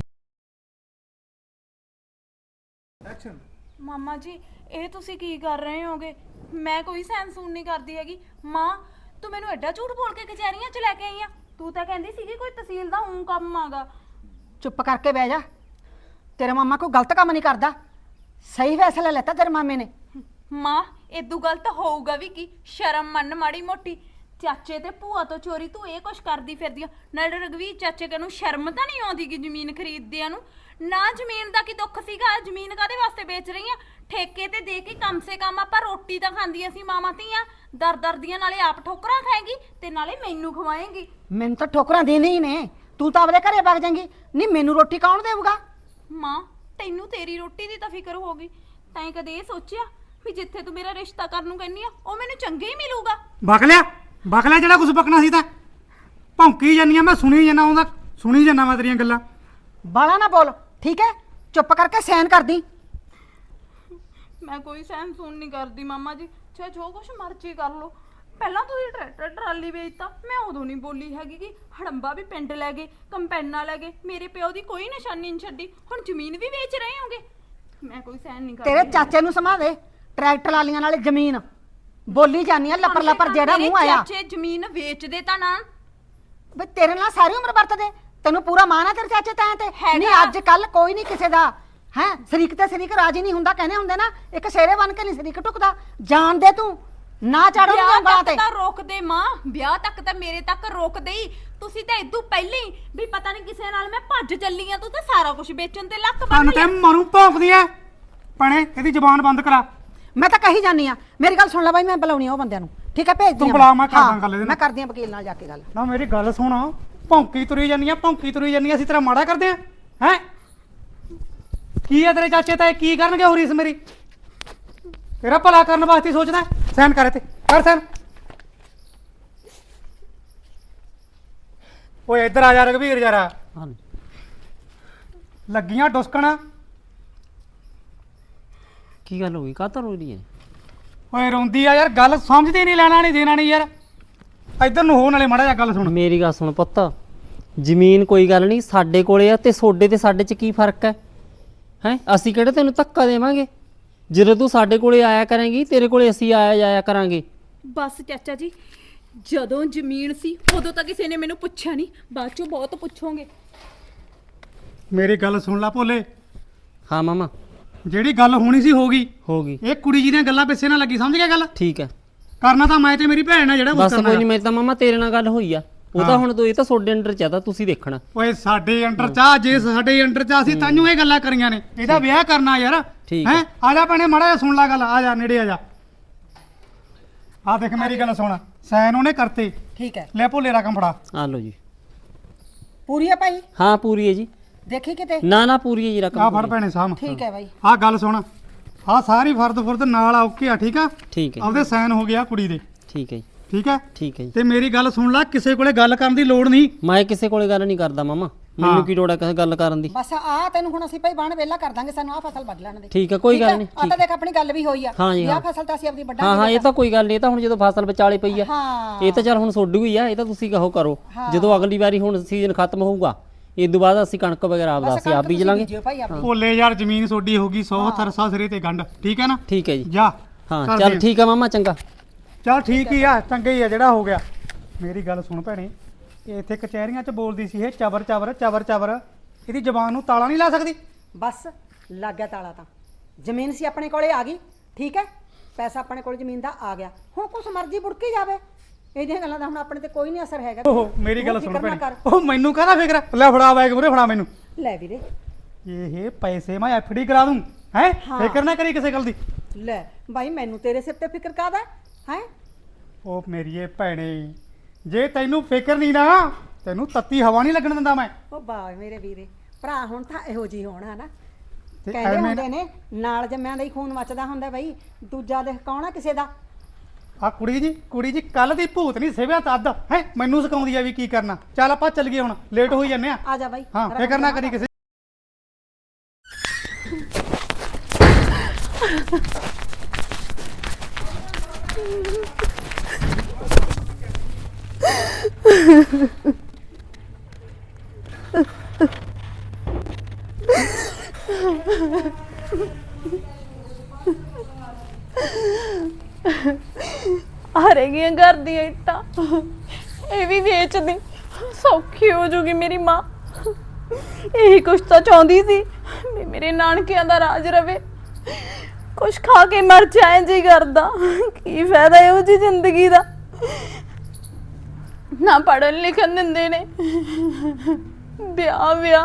Speaker 3: ਮਾਮਾ ਜੀ ਇਹ ਤੁਸੀਂ ਕੀ ਕਰ ਰਹੇ ਹੋਗੇ? ਮੈਂ ਕੋਈ ਸੈਂਸ ਸੂਨ ਨਹੀਂ ਕਰਦੀ ਹੈਗੀ। ਮਾਂ ਤੂੰ ਮੈਨੂੰ ਐਡਾ ਝੂਠ ਬੋਲ ਕੇ ਕਚਹਿਰੀਆਂ 'ਚ ਲੈ ਕੇ ਆਈ ਆ। ਤੂੰ ਤਾਂ ਕਹਿੰਦੀ ਸੀਗੀ ਕੋਈ ਤਹਿਸੀਲ ਦਾ ਊਂ ਕੰਮ ਆਗਾ।
Speaker 1: ਚੁੱਪ ਕਰਕੇ ਬਹਿ ਜਾ, ਤੇਰਾ ਮਾਮਾ ਕੋਈ ਗਲਤ ਕੰਮ ਨਹੀਂ ਕਰਦਾ, ਸਹੀ ਫੈਸਲਾ ਲੈਤਾ ਤੇਰੇ ਮਾਮੇ ਨੇ।
Speaker 3: ਮਾਂ ਇਦੋਂ ਗਲਤ ਹੋਊਗਾ ਵੀ ਕੀ? ਸ਼ਰਮ ਮੰਨ ਮਾੜੀ ਮੋਟੀ। ਚਾਚੇ ਤੇ ਭੂਆ ਤੋਂ ਚੋਰੀ ਤੂੰ ਇਹ ਕੁਛ ਕਰਦੀ ਫਿਰਦੀ ਆ। ਨਾਲੇ ਰਗਵੀਰ ਚਾਚੇ ਨੂੰ ਸ਼ਰਮ ਤਾਂ ਨਹੀਂ ਆਉਂਦੀ ਕਿ ਜ਼ਮੀਨ ਖਰੀਦਦਿਆਂ ਨੂੰ? ਨਾ ਜ਼ਮੀਨ ਦਾ ਕੀ ਦੁੱਖ ਸੀਗਾ? ਜ਼ਮੀਨ ਕਾਦੇ ਵਾਸਤੇ ਵੇਚ ਰਹੀ ਆ? ਠੇਕੇ ਤੇ ਦੇ ਕੇ ਕਮ ਸੇ ਕਮ ਆਪਾਂ ਰੋਟੀ ਤਾਂ ਖਾਂਦੀਆਂ ਸੀ ਮਾਵਾਂ ਧੀਆਂ। ਦਰ ਦੀਆਂ ਨਾਲੇ ਆਪ ਠੋਕਰਾਂ ਖਾਏਗੀ ਤੇ ਨਾਲੇ ਮੈਨੂੰ ਖਵਾਏਗੀ।
Speaker 1: ਮੈਨੂੰ ਤਾਂ ਠੋਕਰਾਂ ਦੇਣੀ ਹੀ ਨੇ, ਤੂੰ ਤਾਂ ਆਪਦੇ ਘਰੇ ਵਗ ਜਾਏਂਗੀ। ਨਹੀਂ ਮੈਨੂੰ ਰੋਟੀ ਕੌਣ ਦੇਊਗਾ?
Speaker 3: ਮਾਂ ਤੈਨੂੰ ਤੇਰੀ ਰੋਟੀ ਦੀ ਤਾਂ ਫਿਕਰ ਹੋਗੀ। ਤੈਂ ਕਦੇ ਇਹ ਸੋਚਿਆ ਵੀ ਜਿੱਥੇ ਤੂੰ ਮੇਰਾ ਰਿਸ਼ਤਾ ਕਰਨ ਨੂੰ ਕਹਿੰਦੀ ਆ ਉਹ ਮੈਨੂੰ ਚੰਗੇ ਹੀ ਮਿਲੂਗਾ?
Speaker 2: ਬਕ ਲਿਆ ਜਿਹੜਾ ਕੁਝ ਬਕਣਾ ਸੀ ਤਾਂ ਭੌਂਕੀ ਜਾਨੀਆਂ, ਮੈਂ ਸੁਣੀ ਜਾਨਾ, ਉਹਦਾ ਸੁਣੀ ਜਾਨਾ ਮੈਂ ਤੇਰੀਆਂ ਗੱਲਾਂ।
Speaker 1: ਬਾਲਾ ਨਾ ਬੋਲ, ਠੀਕ ਹੈ? ਚੁੱਪ ਕਰਕੇ ਸੈਨ ਕਰਦੀ।
Speaker 3: ਮੈਂ ਕੋਈ ਸਹਿਮ ਸੁਣ ਨਹੀਂ ਕਰਦੀ ਮਾਮਾ ਜੀ, ਚਾਹੇ ਜੋ ਕੁਛ ਮਰਜ਼ੀ ਕਰ ਲੋ। ਪਹਿਲਾਂ ਤੁਸੀਂ ਟਰੈਕਟਰ ਟਰਾਲੀ ਵੇਚਤਾ, ਮੈਂ ਉਦੋਂ ਨਹੀਂ ਬੋਲੀ ਹੈਗੀ ਕਿ ਹੜੰਬਾ ਵੀ ਪਿੰਡ ਲੈ ਗਏ, ਕੰਪੈਨਾ ਲੈ ਗਏ, ਮੇਰੇ ਪਿਓ ਦੀ ਕੋਈ ਨਿਸ਼ਾਨੀ ਨਹੀਂ ਛੱਡੀ। ਹੁਣ ਜ਼ਮੀਨ ਵੀ ਵੇਚ ਰਹੇ ਹੋਗੇ। ਮੈਂ ਕੋਈ ਸਹਿਨ ਨਹੀਂ ਕਰਦੀ।
Speaker 1: ਤੇਰੇ ਚਾਚੇ ਨੂੰ ਸਮਾ ਦੇ, ਟਰੈਕਟਰ ਲਾਲੀਆਂ ਨਾਲੇ ਜ਼ਮੀਨ ਬੋਲੀ ਜਾਨੀ ਆ ਲੱਪਰ ਲੱਪਰ, ਜਿਹੜਾ ਮੂੰਹ ਆਇਆ।
Speaker 3: ਚਾਚੇ ਜ਼ਮੀਨ ਵੇਚਦੇ ਤਾਂ ਨਾ।
Speaker 1: ਬਈ ਤੇਰੇ ਨਾਲ ਸਾਰੀ ਉਮਰ ਵਰਤਦੇ, ਤੈਨੂੰ ਪੂਰਾ ਮਾਣ ਆ ਤੇਰੇ ਚਾਚੇ ਤਾਂ ਤੇ
Speaker 3: ਹੈਗਾ।
Speaker 1: ਨਹੀਂ ਅੱਜ ਕੱਲ ਕੋਈ ਨਹੀਂ ਕਿਸੇ ਦਾ ਹੈ, ਸ਼ਰੀਕ ਤੇ ਸ਼ਰੀਕ ਰਾਜੀ ਨਹੀਂ ਹੁੰਦਾ, ਕਹਿੰਦੇ ਹੁੰਦੇ ਨਾ, ਇੱਕ ਸ਼ੇਰੇ ਬਣ ਕੇ ਨਹੀਂ ਸ਼ਰੀਕ ਟੁਕਦਾ। ਜਾਣ ਦੇ ਤੂੰ, ਨਾ ਚੜੋ
Speaker 3: ਵਿਆਹ
Speaker 1: ਉਂਗਲਾਂ
Speaker 3: ਤੱਕ
Speaker 1: ਤੇ।
Speaker 3: ਤਾਂ ਰੋਕਦੇ ਮਾਂ, ਵਿਆਹ ਤੱਕ ਤਾਂ ਮੇਰੇ ਤੱਕ ਰੋਕਦੇ ਹੀ। ਤੁਸੀਂ ਤਾਂ ਇਦੋਂ ਪਹਿਲਾਂ ਹੀ ਵੀ ਪਤਾ ਨਹੀਂ ਕਿਸੇ ਨਾਲ ਮੈਂ ਭੱਜ ਚੱਲੀ ਆ। ਤੂੰ ਤਾਂ ਸਾਰਾ ਕੁਝ ਵੇਚਣ ਤੇ ਲੱਕ ਬੰਨ
Speaker 2: ਕੰਨ ਤੇ
Speaker 3: ਲਿਆ।
Speaker 2: ਮਰੂ ਭੌਂਕਦੀ ਐ ਭੈਣੇ, ਇਹਦੀ ਜ਼ਬਾਨ ਬੰਦ ਕਰਾ।
Speaker 1: ਮੈਂ ਤਾਂ ਕਹੀ ਜਾਨੀ ਆ, ਮੇਰੀ ਗੱਲ ਸੁਣ ਲੈ ਬਾਈ, ਮੈਂ ਬੁਲਾਉਣੀ ਆ ਉਹ ਬੰਦਿਆਂ ਨੂੰ, ਠੀਕ ਹੈ? ਭੇਜ
Speaker 2: ਤੂੰ
Speaker 1: ਦਿਆਂ
Speaker 2: ਬੁਲਾ, ਮੈਂ ਕਰਦਾ ਗੱਲ ਇਹਦੇ ਨਾਲ।
Speaker 1: ਮੈਂ ਕਰਦੀ ਆ ਵਕੀਲ ਨਾਲ ਜਾ ਕੇ ਗੱਲ।
Speaker 2: ਨਾ ਮੇਰੀ ਗੱਲ ਸੁਣ, ਭੌਂਕੀ ਤੁਰੀ ਜਾਨੀਆਂ, ਭੌਂਕੀ ਤੁਰੀ ਜਾਨੀਆਂ, ਅਸੀਂ ਤੇਰਾ ਮਾੜਾ ਕਰਦੇ ਆ ਹੈ? ਕੀ ਆ ਤੇਰੇ ਚਾਚੇ ਤਾਂ ਕੀ ਕਰਨਗੇ ਹੋਰੀਸ ਮੇਰੀ? ਤੇਰਾ ਭਲਾ ਕਰਨ ਵਾਸਤੇ ਸੋਚਦਾ। ਸਾਈਨ ਕਰ ਇੱਥੇ ਕਰ ਸਾਈਨ। ਓਏ ਇੱਧਰ ਆ ਜਾ ਰਘਵੀਰ ਯਾਰਾ,
Speaker 5: ਹਾਂ
Speaker 2: ਲੱਗੀਆਂ ਡੁਸਕਣਾ।
Speaker 5: ਕੀ ਗੱਲ ਹੋ ਗਈ, ਕਾਹਤੋਂ ਰੋ ਰਹੀ ਹੈ?
Speaker 2: ਓਏ ਰੋਂਦੀ ਆ ਯਾਰ, ਗੱਲ ਸਮਝਦੀ ਨਹੀਂ, ਲੈਣਾ ਨਹੀਂ ਦੇਣਾ ਨਹੀਂ ਯਾਰ। ਇੱਧਰ ਨੂੰ ਹੋ, ਨਾਲੇ ਮਾੜਾ ਜਿਹਾ ਗੱਲ ਸੁਣ।
Speaker 5: ਮੇਰੀ ਗੱਲ ਸੁਣ ਪੁੱਤ, ਜ਼ਮੀਨ ਕੋਈ ਗੱਲ ਨਹੀਂ ਸਾਡੇ ਕੋਲੇ ਆ, ਤੇ ਸੋਡੇ ਤੇ ਸਾਡੇ 'ਚ ਕੀ ਫਰਕ ਹੈ? ਹੈ ਅਸੀਂ ਕਿਹੜੇ ਤੈਨੂੰ ਧੱਕਾ ਦੇਵਾਂਗੇ? ਜਦੋਂ ਤੂੰ ਸਾਡੇ ਕੋਲੇ ਆਇਆ ਕਰੇਂਗੀ ਤੇਰੇ ਕੋਲੇ ਅਸੀਂ ਆਇਆ ਜਾਇਆ ਕਰਾਂਗੇ।
Speaker 3: ਬਸ ਚਾਚਾ ਜੀ, ਜਦੋਂ ਜ਼ਮੀਨ ਸੀ ਉਦੋਂ ਤਾਂ ਕਿਸੇ ਨੇ ਮੈਨੂੰ ਪੁੱਛਿਆ ਨਹੀਂ, ਬਾਅਦ ਚੋਂ ਬਹੁਤ ਪੁੱਛੋਗੇ।
Speaker 2: ਮੇਰੀ ਗੱਲ ਸੁਣ ਲਾ ਭੋਲੇ,
Speaker 5: ਹਾਂ ਮਾਮਾ
Speaker 2: ਜਿਹੜੀ ਗੱਲ ਹੋਣੀ ਸੀ ਹੋ ਗਈ।
Speaker 5: ਹੋ ਗਈ,
Speaker 2: ਇਹ ਕੁੜੀ ਜੀ ਦੀਆਂ ਗੱਲਾਂ ਪਿੱਛੇ ਨਾ ਲੱਗੀ, ਸਮਝ ਗਿਆ ਗੱਲ?
Speaker 5: ਠੀਕ ਹੈ।
Speaker 2: ਕਰਨਾ ਤਾਂ ਮੈਂ ਤੇ ਮੇਰੀ ਭੈਣ ਆ, ਜਿਹੜਾ ਕੁਛ
Speaker 5: ਬਸ
Speaker 2: ਕਰਨਾ
Speaker 5: ਕੋਈ ਨਹੀਂ, ਮੈਂ ਤਾਂ ਮਾਮਾ ਤੇਰੇ ਨਾਲ ਗੱਲ ਹੋਈ ਆ, ਉਹ ਤਾਂ ਹੁਣ ਇਹ ਤਾਂ ਸੋਡੇ ਅੰਡਰ ਚ ਆ, ਤਾਂ ਤੁਸੀਂ ਦੇਖਣਾ।
Speaker 2: ਓਏ ਸਾਡੇ ਅੰਡਰ ਚਾ, ਜੇ ਸਾਡੇ ਅੰਡਰ ਚਾ ਅਸੀਂ ਤਾਂਨੂੰ ਇਹ ਗੱਲਾਂ ਕਰੀਆਂ ਨੇ। ਇਹਦਾ ਵਿਆਹ ਕਰਨਾ ਯਾਰ,
Speaker 5: ਠੀਕ
Speaker 2: ਹੈ? ਆ ਜਾ ਭੈਣੇ, ਮਾੜਾ ਜਿਹਾ ਸੁਣ ਲੈ ਗੱਲ, ਆ ਜਾ ਨੇੜੇ ਆ ਜਾ। ਆ ਦੇਖ ਮੇਰੀ ਗੱਲ ਸੁਣ, ਸਾਈਨ ਉਹਨੇ ਕਰਤੇ,
Speaker 1: ਠੀਕ ਹੈ,
Speaker 2: ਲੈ ਭੋਲੇ ਰਕਮ ਫੜਾ।
Speaker 5: ਆ ਲਓ ਜੀ।
Speaker 1: ਪੂਰੀ ਹੈ ਭਾਈ?
Speaker 5: ਹਾਂ ਪੂਰੀ ਹੈ ਜੀ।
Speaker 1: ਦੇਖੀ ਕਿਤੇ?
Speaker 5: ਨਾ ਨਾ ਪੂਰੀ ਹੈ ਜੀ ਰਕਮ।
Speaker 2: ਆ ਫੜ ਭੈਣੇ ਸਾਹਮ।
Speaker 1: ਠੀਕ ਹੈ ਭਾਈ।
Speaker 2: ਆ ਗੱਲ ਸੁਣ, ਆ ਸਾਰੀ ਫਰਦ ਫੁਰਦ ਨਾਲ ਆ, ਓਕੇ ਆ, ਠੀਕ ਆ?
Speaker 5: ਠੀਕ ਹੈ
Speaker 2: ਆਪਦੇ ਸਾਈਨ ਹੋ ਗਿਆ ਕੁੜੀ ਦੇ,
Speaker 5: ਠੀਕ ਹੈ ਜੀ,
Speaker 2: ਠੀਕ ਹੈ?
Speaker 5: ਠੀਕ ਹੈ ਜੀ।
Speaker 2: ਤੇ ਮੇਰੀ ਗੱਲ ਸੁਣ ਲੈ, ਕਿਸੇ ਕੋਲੇ ਗੱਲ ਕਰਨ ਦੀ ਲੋੜ ਨਹੀਂ।
Speaker 5: ਮੈਂ ਕਿਸੇ ਕੋਲੇ ਗੱਲ ਨਹੀਂ ਕਰਦਾ ਮਾਮਾ, ਮੈਨੂੰ ਕੀ ਲੋੜ ਹੈ ਕਿਸੇ ਗੱਲ ਕਰਨ ਦੀ?
Speaker 1: ਬਸ ਆ ਤੈਨੂੰ ਹੁਣ ਅਸੀਂ ਭਾਈ ਬਾਣ ਵੇਲਾ ਕਰ ਦਾਂਗੇ, ਸਾਨੂੰ ਆ ਫਸਲ ਵੱਢ ਲੈਣ ਦੇ।
Speaker 5: ਠੀਕ ਹੈ, ਕੋਈ ਗੱਲ ਨਹੀਂ।
Speaker 1: ਆ ਤਾਂ ਦੇਖ ਆਪਣੀ ਗੱਲ ਵੀ ਹੋਈ ਆ,
Speaker 5: ਹਾਂ ਜੀ,
Speaker 1: ਆ
Speaker 5: ਹਾਂ।
Speaker 1: ਫਸਲ ਤਾਂ ਅਸੀਂ ਆਪਣੀ
Speaker 5: ਹਾਂ
Speaker 1: ਵੱਢਾਂਗੇ।
Speaker 5: ਹਾਂ, ਇਹ ਤਾਂ ਕੋਈ ਗੱਲ ਨਹੀਂ, ਇਹ ਤਾਂ ਹੁਣ ਜਦੋਂ ਫਸਲ ਵਿਚਾਲੇ ਪਈ ਆ,
Speaker 1: ਹਾਂ
Speaker 5: ਇਹ ਤਾਂ ਚੱਲ ਹੁਣ ਸੋਡੂ ਹੀ ਆ, ਇਹ ਤਾਂ ਤੁਸੀਂ ਕਹੋ ਕਰੋ। ਜਦੋਂ ਅਗਲੀ ਵਾਰੀ ਹੁਣ ਸੀਜ਼ਨ ਖਤਮ ਹੋਊਗਾ, ਇਸ ਤੋਂ ਬਾਅਦ ਅਸੀਂ ਕਣਕ ਵਗੈਰਾ ਆਪਦਾ ਅਸੀਂ ਆਪ ਬੀਜ ਲਾਂਗੇ।
Speaker 1: ਭਾਈ ਆਪਣੀ।
Speaker 2: ਭੋਲੇ ਯਾਰ, ਜ਼ਮੀਨ ਸੋਡੀ ਹੋਗੀ 100 ਤਰਸਾ ਸਿਰੇ ਤੇ ਗੰਢ, ਠੀਕ ਹੈ ਨਾ?
Speaker 5: ਠੀਕ ਹੈ ਜੀ।
Speaker 2: ਜਾ
Speaker 5: ਹਾਂ
Speaker 2: ਕਰ
Speaker 5: ਚੱਲ
Speaker 2: ਦੇ।
Speaker 5: ਠੀਕ ਆ ਮਾਮਾ, ਚੰਗਾ।
Speaker 2: ਚੱਲ ਠੀਕ ਹੀ ਆ, ਚੰਗਾ ਹੀ ਆ ਜਿਹੜਾ ਹੋ ਗਿਆ। ਮੇਰੀ ਗੱਲ ਸੁਣ ਭੈਣੇ, ਇਹ ਇੱਥੇ ਕਚਹਿਰੀਆਂ 'ਚ ਬੋਲਦੀ ਸੀ ਇਹ ਚਬਰ ਚਬਰ ਚਬਰ ਚਬਰ, ਇਹਦੀ ਜ਼ਬਾਨ ਨੂੰ ਤਾਲਾ ਨਹੀਂ ਲਾ ਸਕਦੀ?
Speaker 1: ਬਸ ਲੱਗ ਗਿਆ ਤਾਲਾ, ਤਾਂ ਜ਼ਮੀਨ ਸੀ ਆਪਣੇ ਕੋਲੇ ਆ ਗਈ, ਠੀਕ ਹੈ? ਪੈਸਾ ਆਪਣੇ ਕੋਲ ਜ਼ਮੀਨ ਦਾ ਆ ਗਿਆ, ਹੁਣ ਕੁਛ ਮਰਜ਼ੀ ਬੁੜਕੀ ਜਾਵੇ, ਇਹਦੀਆਂ ਗੱਲਾਂ ਦਾ ਹੁਣ ਆਪਣੇ ਤੇ ਕੋਈ ਨਹੀਂ ਅਸਰ ਹੈਗਾ।
Speaker 2: ਓਹ ਮੇਰੀ ਗੱਲ
Speaker 1: ਤੂੰ
Speaker 2: ਸੁਣ
Speaker 1: ਫਿਕਰ ਨਾ
Speaker 2: ਭੈਣੇ,
Speaker 1: ਕਰ।
Speaker 2: ਉਹ ਮੈਨੂੰ ਕਾਹਦਾ ਫਿਕਰ ਆ? ਲੈ ਫੜਾ ਬੈਗ ਮੂਰੇ, ਫੜਾ ਮੈਨੂੰ।
Speaker 1: ਲੈ ਵੀਰੇ,
Speaker 2: ਇਹ ਪੈਸੇ ਮੈਂ ਐਫਡੀ ਕਰਾ ਦੂੰ, ਹੈ? ਫਿਕਰ ਨਾ ਕਰੀ ਕਿਸੇ ਗੱਲ ਦੀ।
Speaker 1: ਲੈ ਬਾਈ, ਮੈਨੂੰ ਤੇਰੇ ਸਿਰ ਤੇ ਫਿਕਰ ਕਾਹਦਾ ਹੈ?
Speaker 2: ਉਹ ਮੇਰੀਏ ਭੈਣੇ, ਜੇ ਤੈਨੂੰ ਫਿਕਰ ਨਹੀਂ ਨਾ, ਤੈਨੂੰ ਤੱਤੀ ਹਵਾ ਨਹੀਂ ਲੱਗਣ ਦਿੰਦਾ ਮੈਂ।
Speaker 1: ਉਹ ਵਾਹ ਮੇਰੇ ਵੀਰੇ, ਭਰਾ ਹੁਣ ਤਾਂ ਇਹੋ ਜਿਹੀ ਹੋਣਾ ਨਾ,
Speaker 2: ਤੇ
Speaker 1: ਕਹਿੰਦੇ
Speaker 2: ਐਵੇਂ
Speaker 1: ਹੁੰਦੇ ਨੇ ਨਾਲ ਜੰਮਿਆਂ ਦਾ ਹੀ ਖੂਨ ਮੱਚਦਾ ਹੁੰਦਾ ਬਈ, ਦੂਜਾ ਦੇਖ ਕੌਣ ਆ ਕਿਸੇ ਦਾ।
Speaker 2: ਆ ਕੁੜੀ ਜੀ ਕੱਲ ਦੀ ਭੂਤ ਨਹੀਂ ਸੇਵਿਆ ਤੱਦ, ਹੈ? ਮੈਨੂੰ ਸਿਖਾਉਂਦੀ ਆ ਵੀ ਕੀ ਕਰਨਾ। ਚੱਲ ਆਪਾਂ ਚੱਲ ਗਏ, ਹੁਣ ਲੇਟ ਹੋਈ ਜੰਨੇ ਆ।
Speaker 1: ਆ ਜਾ ਬਾਈ,
Speaker 2: ਹਾਂ, ਫਿਕਰ ਨਾ ਕਰੀ ਕਿਸੇ।
Speaker 3: ਆ ਰਹਿ ਗਈਆਂ ਘਰ ਦੀਆਂ ਇੱਟਾਂ, ਇਹ ਵੀ ਵੇਚ ਦੇ, ਸੌਖੀ ਹੋ ਜੂਗੀ ਮੇਰੀ ਮਾਂ। ਇਹੀ ਕੁਛ ਤਾਂ ਚਾਹੁੰਦੀ ਸੀ ਵੀ ਮੇਰੇ ਨਾਨਕਿਆਂ ਦਾ ਰਾਜ ਰਵੇ, ਕੁਛ ਖਾ ਕੇ ਮਰ ਜਾਏ ਜੀ ਕਰਦਾ। ਕੀ ਫਾਇਦਾ ਇਹੋ ਜੀ ਜ਼ਿੰਦਗੀ ਦਾ, ਨਾ ਪੜ੍ਹਨ ਲਿਖਣ ਦਿੰਦੇ ਨੇ, ਵਿਆਹ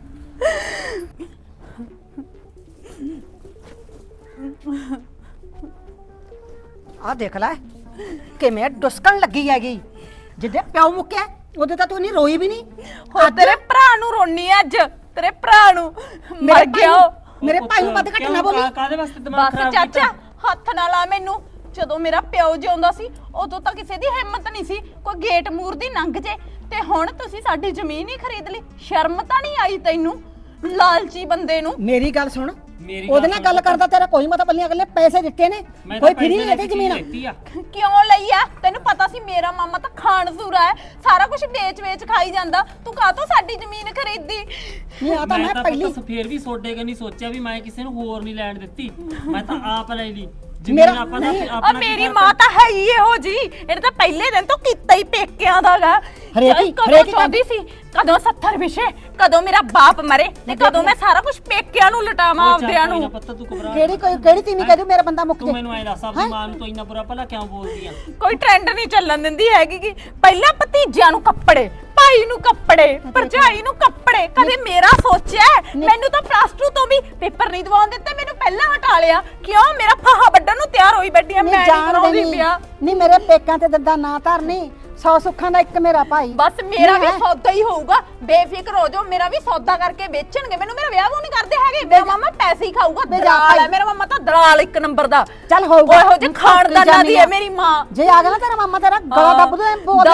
Speaker 1: ਆ ਦੇਖ ਲੈ ਕਿਵੇਂ ਡੁਸਕਣ ਲੱਗੀ ਹੈਗੀ, ਜਿੱਦੇ ਪਿਓ ਮੁੱਕਿਆ ਉਹਦੇ ਤਾਂ ਤੂੰ ਨਹੀਂ ਰੋਈ ਵੀ ਨਹੀਂ।
Speaker 3: ਹੋ ਤੇਰੇ ਭਰਾ ਨੂੰ ਰੋਣੀ ਅੱਜ, ਤੇਰੇ ਭਰਾ ਨੂੰ ਮਰ ਗਿਆ ਉਹ।
Speaker 1: ਮੇਰੇ ਭਾਈ ਨੂੰ ਵੱਧ ਘੱਟ ਨਾ ਬੋਲੀ।
Speaker 5: ਕਾਹਦੇ ਵਾਸਤੇ ਦਿਮਾਗ
Speaker 3: ਬਸ
Speaker 5: ਖਰਾਬ
Speaker 3: ਚਾਚਾ,
Speaker 5: ਕੀਤਾ?
Speaker 3: ਹੱਥ ਨਾ ਲਾ ਮੈਨੂੰ। ਜਦੋਂ ਮੇਰਾ ਪਿਓ ਜਿਉਂਦਾ ਸੀ ਉਦੋਂ ਤਾਂ ਕਿਸੇ ਦੀ ਹਿੰਮਤ ਨਹੀਂ ਸੀ ਕੋਈ ਗੇਟ ਮੂਰ ਦੀ ਲੰਘ ਜੇ, ਤੇ ਹੁਣ ਤੁਸੀਂ ਸਾਡੀ ਜ਼ਮੀਨ ਹੀ ਖਰੀਦ ਲਈ। ਸ਼ਰਮ ਤਾਂ ਨਹੀਂ ਆਈ ਤੈਨੂੰ, ਲਾਲਚੀ ਬੰਦੇ ਨੂੰ?
Speaker 1: ਮੇਰੀ ਗੱਲ ਸੁਣ,
Speaker 5: ਮੇਰੀ
Speaker 1: ਉਹਦੇ ਨਾਲ ਗੱਲ ਕਰਦਾ ਤੇਰਾ ਕੋਈ ਮਤਲਬ ਨਹੀਂ, ਅਗਲੇ ਪੈਸੇ ਦਿੱਤੇ ਨੇ, ਕੋਈ ਫਰੀ ਨਹੀਂ ਇਹਦੀ ਜ਼ਮੀਨ।
Speaker 3: ਕਿਉਂ ਲਈ ਆ? ਤੈਨੂੰ ਪਤਾ ਸੀ ਮੇਰਾ ਮਾਮਾ ਤਾਂ ਖਾਨਸੂਰਾ ਹੈ, ਸਾਰਾ ਕੁਝ ਵੇਚ ਖਾਈ ਜਾਂਦਾ, ਤੂੰ ਕਾਹਤੋਂ ਸਾਡੀ ਜ਼ਮੀਨ ਖਰੀਦੀ?
Speaker 1: ਨਹੀਂ ਆ ਤਾਂ ਮੈਂ ਪਹਿਲੀ
Speaker 5: ਫੇਰ ਵੀ ਸੋਡੇ ਕਨੀ ਸੋਚਿਆ ਵੀ ਮੈਂ ਕਿਸੇ ਨੂੰ ਹੋਰ ਨਹੀਂ ਲੈਣ ਦਿੱਤੀ, ਮੈਂ ਤਾਂ ਆਪ ਲੈ ਲਈ
Speaker 1: ਮੇਰਾ-
Speaker 5: ਜ਼ਮੀਨ। ਆਪਾਂ
Speaker 1: ਨਹੀਂ,
Speaker 3: ਆ ਮੇਰੀ ਮਾਂ ਤਾਂ ਹੈ ਹੀ ਇਹੋ ਜੀ, ਇਹਨੇ ਤਾਂ ਪਹਿਲੇ ਦਿਨ ਤੋਂ ਕੀਤਾ ਹੀ ਪੇਕਿਆਂ ਦਾਗਾ। ਕਦੋਂ ਚਾਹੁੰਦੀ ਸੀ, ਕਦੋਂ 70 ਵਿਸ਼ੇ, ਕਦੋਂ ਮੇਰਾ ਬਾਪ ਮਰੇ, ਤੇ ਕਦੋਂ ਮੈਂ ਸਾਰਾ ਕੁਝ ਪੇਕਿਆਂ ਨੂੰ ਲਟਾਵਾਂ ਆਪਦਿਆਂ ਨੂੰ।
Speaker 1: ਕਿਹੜੀ ਤੀਵੀਂ ਕਹਿ ਦੂ ਮੇਰਾ ਬੰਦਾ ਮੁੱਕ
Speaker 5: ਤੂੰ
Speaker 1: ਜੇ।
Speaker 5: ਮੈਨੂੰ ਐ ਦੱਸ, ਆਪਣੀ ਮਾਂ ਨੂੰ ਤੂੰ ਇੰਨਾ ਬੁਰਾ ਭਲਾ ਕਿਉਂ ਬੋਲਦੀ ਆ?
Speaker 3: ਕੋਈ ਟ੍ਰੈਂਡ ਨਹੀਂ ਚੱਲਣ ਦਿੰਦੀ ਹੈਗੀ ਕਿ ਪਹਿਲਾਂ ਭਤੀਜਿਆਂ ਨੂੰ ਕੱਪੜੇ, ਭਾਈ ਨੂੰ ਕੱਪੜੇ, ਭਰਜਾਈ ਨੂੰ ਕੱਪੜੇ, ਕਦੇ ਮੇਰਾ ਸੋਚਿਆ? ਮੈਨੂੰ ਤਾਂ ਪਲੱਸ 2 ਤੋਂ ਵੀ ਪੇਪਰ ਨਹੀਂ ਦਿਵਾਉਣ ਦਿੱਤੇ, ਮੈਨੂੰ ਪਹਿਲਾਂ ਹਟਾ ਲਿਆ। ਕਿਉਂ? ਮੇਰਾ ਫਾਹਾ ਵੱਢਣ ਨੂੰ ਤਿਆਰ ਹੋਈ ਬੈਠੀ ਆ, ਮੈਂ ਨਹੀਂ ਕਰਾਉਂਦੀ ਪਿਆ।
Speaker 1: ਨਹੀਂ ਮੇਰੇ ਪੇਕਾਂ ਤੇ ਦੰਦਾ ਨਾ ਧਰਨੀ, 100 ਸੁੱਖਾਂ ਦਾ ਇੱਕ ਮੇਰਾ ਭਾਈ।
Speaker 3: ਬਸ ਮੇਰਾ ਵੀ
Speaker 1: ਨਹੀਂ ਹੈ।
Speaker 3: ਸੌਦਾ ਹੀ ਹੋਊਗਾ, ਬੇਫਿਕਰ ਹੋ ਜਾਓ, ਮੇਰਾ ਵੀ ਸੌਦਾ ਕਰਕੇ ਵੇਚਣਗੇ ਮੈਨੂੰ, ਮੇਰਾ ਵਿਆਹ ਉਹ ਨਹੀਂ ਕਰਦੇ ਹੈਗੇ, ਮੇਰਾ ਮਾਮਾ ਪੈਸੇ ਹੀ ਖਾਊਗਾ,
Speaker 1: ਬੇ ਜਾ
Speaker 3: ਦਲਾਲ
Speaker 1: ਭਾਈ।
Speaker 3: ਹੈ ਮੇਰਾ ਮਾਮਾ ਤਾਂ ਦਲਾਲ ਇੱਕ ਨੰਬਰ ਦਾ।
Speaker 1: ਚੱਲ ਹੋਊਗਾ।
Speaker 3: ਉਹੋ ਜਿਹੇ ਖਾਨਦਾਨਾਂ ਦੀ ਹੈ ਮੇਰੀ ਮਾਂ।
Speaker 1: ਜੇ ਆ ਗਿਆ ਨਾ ਤੇਰਾ ਮਾਮਾ ਤੇਰਾ ਗਲਾ ਦੱਬ ਦੇ ਬੋਲ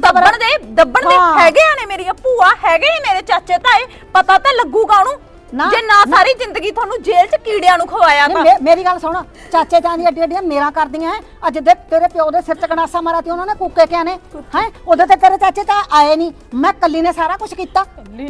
Speaker 3: ਦੱਬਣ ਦੇ
Speaker 1: ਹਾਂ।
Speaker 3: ਹੈਗੇ ਆ ਨੇ ਮੇਰੀਆਂ ਭੂਆ, ਹੈਗੇ ਨੇ ਮੇਰੇ ਚਾਚੇ ਤਾਏ, ਪਤਾ ਤਾਂ ਲੱਗੂਗਾ ਉਹਨੂੰ
Speaker 1: ਨਾ,
Speaker 3: ਜੇ ਨਾ ਸਾਰੀ ਜ਼ਿੰਦਗੀ ਤੁਹਾਨੂੰ ਜੇਲ੍ਹ 'ਚ ਕੀੜਿਆਂ ਨੂੰ ਖਵਾਇਆ ਤਾਂ।
Speaker 1: ਮੇਰੀ ਗੱਲ ਸੁਣ, ਚਾਚੇ ਤਾਂ ਦੀ ਅੱਡੀ ਅੱਡੀਆਂ ਮੇਰਾ ਕਰਦੀਆਂ ਐ। ਅੱਜ ਦੇ ਤੇਰੇ ਪਿਓ ਦੇ ਸਿਰ ਚ ਗੰਡਾਸਾ ਮਾਰਿਆ ਤੇ ਉਹਨਾਂ ਨੇ ਕੂਕੇ ਕਿਆ ਨੇ ਹੈ, ਉਦੋਂ ਤੇ ਤੇਰੇ ਚਾਚੇ ਤਾਂ ਆਏ ਨਹੀਂ, ਮੈਂ ਕੱਲੀ ਨੇ ਸਾਰਾ ਕੁਝ ਕੀਤਾ।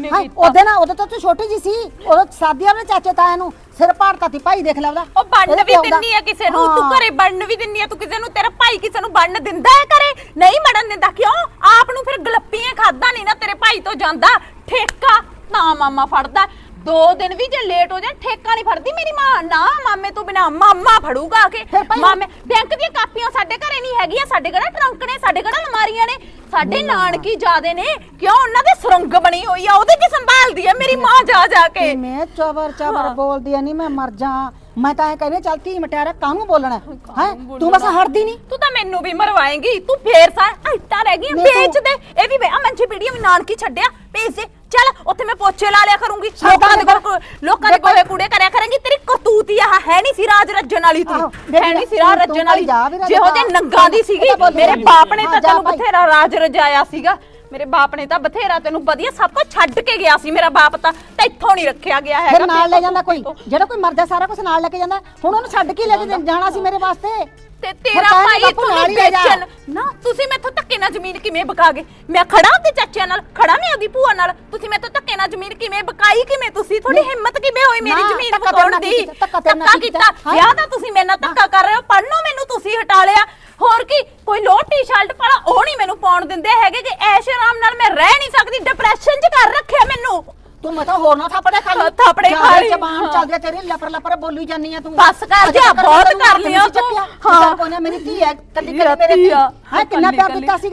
Speaker 1: ਉਹਦੇ ਤਾਂ ਤੂੰ ਛੋਟੀ ਜੀ ਸੀ, ਉਦੋਂ ਸਾਦੀਆਂ ਨੇ ਚਾਚੇ ਤਾਇਆ ਨੂੰ ਸਿਰ ਭਾਰਤਾ ਤੀ ਭਾਈ ਦੇਖ ਲੈ ਉਹਦਾ।
Speaker 3: ਉਹ ਬਣਨ ਵੀ ਦਿੰਨੀ ਆ ਕਿਸੇ ਨੂੰ, ਤੂੰ ਘਰੇ ਬਣਨ ਵੀ ਦਿੰਨੀ ਆ ਤੂੰ ਕਿਸੇ ਨੂੰ, ਤੇਰਾ ਭਾਈ ਕਿਸੇ ਨੂੰ ਬਣਨ ਦਿੰਦਾ ਹੈ ਘਰੇ? ਨਹੀਂ ਬਣਨ ਦਿੰਦਾ, ਕਿਉਂ? ਆਪ ਨੂੰ ਫਿਰ ਗਲੱਪੀਆਂ ਖਾਦਾ ਨਹੀਂ ਨਾ ਤੇਰੇ ਭਾਈ ਤੋਂ ਜਾਂਦਾ ਠੇਕਾ, ਤਾਂ ਮਾਮਾ ਫੜਦਾ। 2 ਦਿਨ ਵੀ ਜੇ ਲੇਟ ਹੋ ਜਾ ਠੇਕਾ ਨਹੀਂ ਫੜਦੀ ਮੇਰੀ ਮਾਂ, ਨਾ ਮਾਮੇ ਤੋਂ ਬਿਨਾ ਮਾਮਾ ਫੜੂਗਾ ਆ ਕੇ। ਮਾਮੇ ਬੈਂਕ ਦੀਆਂ ਕਾਪੀਆਂ ਸਾਡੇ ਘਰੇ ਨਹੀਂ ਹੈਗੀਆਂ, ਸਾਡੇ ਕਿਹੜਾ ਟਰੰਕ ਨੇ, ਸਾਡੇ ਕਿਹੜਾ ਅਲਮਾਰੀਆਂ ਨੇ, ਸਾਡੇ ਨਾਨਕੀ ਜਾਦੇ ਨੇ, ਕਿਉਂ? ਉਹਨਾਂ ਦੇ ਸੁਰੰਗ ਬਣੀ ਹੋਈ ਆ, ਉਹਦੇ ਕੀ ਸੰਭਾਲਦੀ ਆ ਮੇਰੀ ਮਾਂ ਜਾ ਜਾ ਕੇ।
Speaker 1: ਮੈਂ ਚਬਰ ਬੋਲਦੀ ਆ, ਨਹੀਂ ਮੈਂ ਮਰ ਜਾ। ਮੈਂ ਤਾਂ ਇਹ ਕਹਿੰਦੀ ਚੱਲ ਧੀ ਮਟਿਆਰਾ ਕਾਹਨੂੰ ਬੋਲਣਾ ਹੈ, ਤੂੰ ਬਸ ਹਟਦੀ ਨਹੀਂ।
Speaker 3: ਤੂੰ ਤਾਂ ਮੈਨੂੰ ਵੀ ਮਰਵਾਏਂਗੀ, ਤੂੰ ਫੇਰ ਸਾਰ ਇੱਟਾਂ ਰਹਿ ਗਈਆਂ ਵੇਚ ਦੇ। ਇਹ ਵੀ ਆ ਮੰਜੀ ਪੀੜੀਆਂ ਵੀ ਨਾਨਕੀ ਛੱਡਿਆ, ਭੇਜ ਦੇ। ਚੱਲ ਉੱਥੇ ਮੈਂ ਪੋਚੇ ਲਾ ਲਿਆ ਕਰੂੰਗੀ, ਲੋਕਾਂ ਦੇ ਗੋਹੇ ਕੂੜੇ ਕਰਿਆ ਕਰਾਂਗੀ। ਤੇਰੀ ਕਰਤੂਤ ਹੀ ਆਹ ਹੈ ਨਹੀਂ ਸੀ ਰਾਜ ਰੱਜਣ ਵਾਲੀ, ਤੂੰ ਹੈ ਨਹੀਂ ਸੀ ਰਾਜ ਰੱਜਣ ਵਾਲੀ, ਜਿਹੋ ਜਿਹੇ ਨੰਗਾ ਦੀ ਸੀਗੀ। ਮੇਰੇ ਬਾਪ ਨੇ ਤਾਂ ਤੈਨੂੰ ਬਥੇਰਾ ਰਾਜ ਰਜਾਇਆ ਸੀਗਾ, ਮੇਰੇ ਬਾਪ ਨੇ ਤਾਂ ਬਥੇਰਾ ਤੈਨੂੰ ਵਧੀਆ ਸਭ ਕੁਝ ਛੱਡ ਕੇ ਗਿਆ ਸੀ। ਮੇਰਾ ਬਾਪ ਤਾਂ ਇੱਥੋਂ ਨਹੀਂ ਰੱਖਿਆ ਗਿਆ ਹੈਗਾ।
Speaker 1: ਫਿਰ ਨਾਲ ਲੈ ਜਾਂਦਾ ਕੋਈ, ਜਿਹੜਾ ਕੋਈ ਮਰਦਾ ਸਾਰਾ ਕੁਝ ਨਾਲ ਲੈ ਕੇ ਜਾਂਦਾ। ਹੁਣ ਉਹਨੂੰ ਛੱਡ ਕੇ ਲੈ ਕੇ ਜਾਣਾ ਸੀ ਮੇਰੇ ਵਾਸਤੇ।
Speaker 3: ਤੇ ਤੇਰਾ ਭਾਈ ਤੁਹਾਨੂੰ ਵੇਚਣ ਨਾ, ਤੁਸੀਂ ਮੈਥੋਂ ਧੱਕੇ ਨਾਲ ਜ਼ਮੀਨ ਕਿਵੇਂ ਬਕਾਗੇ? ਮੈਂ ਖੜਾ ਤੇ ਚਾਚਿਆਂ ਨਾਲ ਖੜਾ, ਮੈਂ ਉਹਦੀ ਭੂਆ ਨਾਲ, ਤੁਸੀਂ ਮੈਥੋਂ ਧੱਕੇ ਨਾਲ ਜ਼ਮੀਨ ਕਿਵੇਂ ਬਕਾਈ? ਕਿਵੇਂ ਤੁਸੀਂ, ਤੁਹਾਡੀ ਹਿੰਮਤ ਕਿਵੇਂ ਹੋਈ ਮੇਰੀ ਜ਼ਮੀਨ ਬਕਾਉਣ ਦੀ? ਧੱਕਾ ਕੀਤਾ, ਵਿਆਹ ਦਾ ਤੁਸੀਂ ਮੇਰੇ ਨਾਲ ਧੱਕਾ ਕਰ ਰਹੇ ਹੋ, ਪੜਨੋਂ ਮੈਨੂੰ ਤੁਸੀਂ ਹਟਾ ਲਿਆ। ਹੋਰ ਕੀ, ਕੋਈ ਲੋਅਰ ਟੀ-ਸ਼ਰਟ ਪਾਲਾ ਉਹ ਨਹੀਂ ਮੈਨੂੰ ਪਾਉਣ ਦਿੰਦੇ ਹੈਗੇ ਕਿ ਐਸ਼ ਆਰਾਮ ਨਾਲ ਮੈਂ ਰਹਿ ਨਹੀਂ ਸਕਦੀ, ਡਿਪਰੈਸ਼ਨ 'ਚ ਕਰ ਰੱਖਿਆ ਮੈਨੂੰ।
Speaker 1: ਤੂੰ ਮੈਂ ਤਾਂ ਹੋਰ ਨਾ ਥਾਪੜੇ ਖਾ ਲਈ,
Speaker 3: ਥਾਪੜੇ ਖਾ ਲਈ,
Speaker 1: ਜ਼ਬਾਨ ਚੱਲਦੀ ਤੇਰੀ ਲਪਰ ਲਪਰ ਬੋਲੀ ਜਾਂਦੀ ਆ ਤੂੰ।
Speaker 3: ਬਸ ਕਰ ਜਾ, ਬਹੁਤ ਕਰ ਲਿਆ ਤੂੰ।
Speaker 1: ਹਾਂ ਕੋਈ ਨਾ, ਮੇਰੀ ਧੀ ਹੈ ਕੱਲੀ ਮੇਰੇ ਧੀ ਹੈ, ਕਿੰਨਾ ਪਿਆਰ ਦਿੱਤਾ ਸੀਗਾ।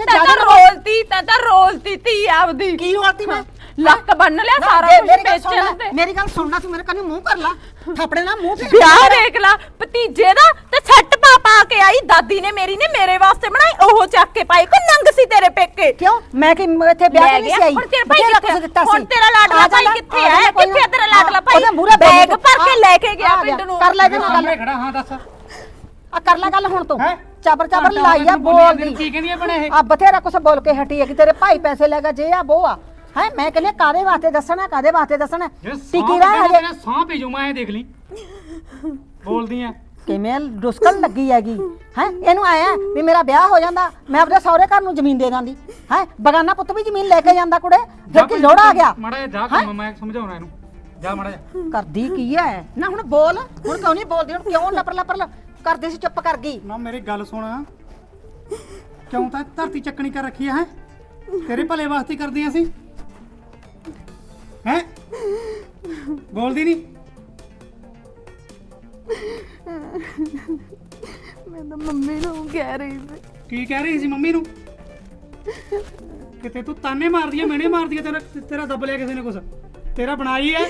Speaker 3: ਤਾਂ ਰੋਲਤੀ ਧੀ ਆਪਦੀ।
Speaker 1: ਕੀ ਰੋਲਤੀ ਮੈਂ?
Speaker 3: ਲੱਕ ਬੰਨ ਲਿਆ ਸਾਰਾ ਕੁਝ ਵੇਚਣ ਤੇ।
Speaker 1: ਮੇਰੀ ਗੱਲ ਸੁਣਨਾ, ਤੂੰ ਮੇਰੇ ਕੰਨੀ ਮੂੰਹ ਕਰ ਲਾ, ਥਾਪੜੇ ਨਾਲ ਮੂੰਹ ਤੇ।
Speaker 3: ਵਿਆਹ ਦੇਖ ਲਾ ਭਤੀਜੇ ਦਾ, ਤੇ ਸੈੱਟ ਪਾ ਕੇ ਆਈ ਦਾਦੀ ਨੇ ਮੇਰੀ ਨੇ ਮੇਰੇ ਵਾਸਤੇ ਬਣਾਈ, ਉਹ ਚੱਕ ਕੇ ਪਾਈ। ਕੋਈ ਨੰਗ ਸੀ ਤੇਰੇ ਪੇਕੇ?
Speaker 1: ਕਿਉਂ ਮੈਂ ਕਿ ਇੱਥੇ ਵਿਆਹ ਕੇ ਨਹੀਂ ਸੀ ਆਈ?
Speaker 3: ਹੁਣ ਤੇਰਾ ਭਾਈ ਕਿੱਥੇ? ਹੁਣ ਤੇਰਾ ਲਾਡਲਾ ਭਾਈ ਕਿੱਥੇ ਹੈ? ਕਿੱਥੇ ਤੇਰਾ ਲਾਡਲਾ ਭਾਈ? ਬੈਗ ਭਰ ਕੇ ਲੈ ਕੇ ਗਿਆ ਪਿੰਡ ਨੂੰ।
Speaker 1: ਕਰ ਲੈ ਨਾ ਗੱਲ,
Speaker 2: ਖੜਾ ਹਾਂ ਦੱਸ
Speaker 1: ਆ ਕਰ ਲੈ ਗੱਲ ਹੁਣ ਤੂੰ। ਚਾਬਰ
Speaker 2: ਚਾਬਰ
Speaker 1: ਲਾਈ ਆ ਬੋਲਦੀ।
Speaker 2: ਕੀ ਕਹਿੰਦੀ ਆ ਬਣੇ ਇਹ?
Speaker 1: ਆ ਬਥੇਰਾ ਕੁਛ ਬੋਲ ਕੇ ਹਟੀ ਹੈ ਕਿ ਤੇਰੇ ਭਾਈ ਪੈਸੇ ਲੈ ਗਿਆ, ਜੇ ਆ ਬੋ ਆ ਹੈ। ਮੈਂ ਕਹਿੰਦੀ ਕਾਦੇ ਵਾਸਤੇ ਦੱਸਣਾ, ਕਾਦੇ ਵਾਸਤੇ ਦੱਸਣਾ? ਟਿਕੀ ਰਹਿ ਹਜੇ
Speaker 2: ਸਾਹ ਭੇਜੂ ਮੈਂ, ਇਹ ਦੇਖ ਲਈ ਬੋਲਦੀ ਆ
Speaker 1: ਕਿਵੇਂ ਡੁਸਕਣ ਲੱਗੀ ਹੈਗੀ ਹੈ। ਇਹਨੂੰ ਆਇਆ ਵੀ ਮੇਰਾ ਵਿਆਹ ਹੋ ਜਾਂਦਾ, ਮੈਂ ਆਪਣੇ ਸਹੁਰੇ ਘਰ ਨੂੰ ਜ਼ਮੀਨ ਦੇ ਦਾਂਦੀ ਹੈ। ਬਗਾਨਾ ਪੁੱਤ ਵੀ ਜ਼ਮੀਨ ਲੈ ਕੇ ਜਾਂਦਾ ਕੁੜੇ, ਫਿਰ ਕੀ ਲੋੜ ਆ ਗਿਆ?
Speaker 2: ਮਾੜਾ ਜਾ ਕੰਮ ਮੈਂ ਸਮਝਾਉਣਾ ਇਹਨੂੰ, ਜਾ ਮਾੜਾ ਜਾ।
Speaker 1: ਕਰਦੀ ਕੀ ਹੈ ਨਾ? ਹੁਣ ਬੋਲ, ਹੁਣ ਕਿਉਂ ਨਹੀਂ ਬੋਲਦੀ? ਹੁਣ ਕਿਉਂ ਲਪਰ ਲਪਰ ਕਰਦੀ ਸੀ, ਚੁੱਪ ਕਰ ਗਈ
Speaker 2: ਨਾ। ਮੇਰੀ ਗੱਲ ਸੁਣ, ਕਿਉਂ ਤਾਂ ਧਰਤੀ ਚੱਕਣੀ ਕਰ ਰੱਖੀ ਹੈ? ਤੇਰੇ ਭਲੇ ਵਾਸਤੇ ਕਰਦੀਆਂ ਸੀ ਹੈ, ਬੋਲਦੀ ਨਹੀਂ?
Speaker 3: ਮੈਂ ਤਾਂ ਮੰਮੀ ਨੂੰ ਕਹਿ ਰਹੀ ਸੀ।
Speaker 2: ਕੀ ਕਹਿ ਰਹੀ ਸੀ ਮੰਮੀ ਨੂੰ? ਕਿਤੇ ਤੂੰ ਤਾਨੇ ਮਾਰਦੀ ਆ, ਮੈਨੇ ਮਾਰਦੀ ਆ, ਤੇਰਾ ਦੱਬ ਲਿਆ ਕਿਸੇ ਨੇ ਕੁਛ? ਤੇਰਾ ਬਣਾਈ ਹੈ,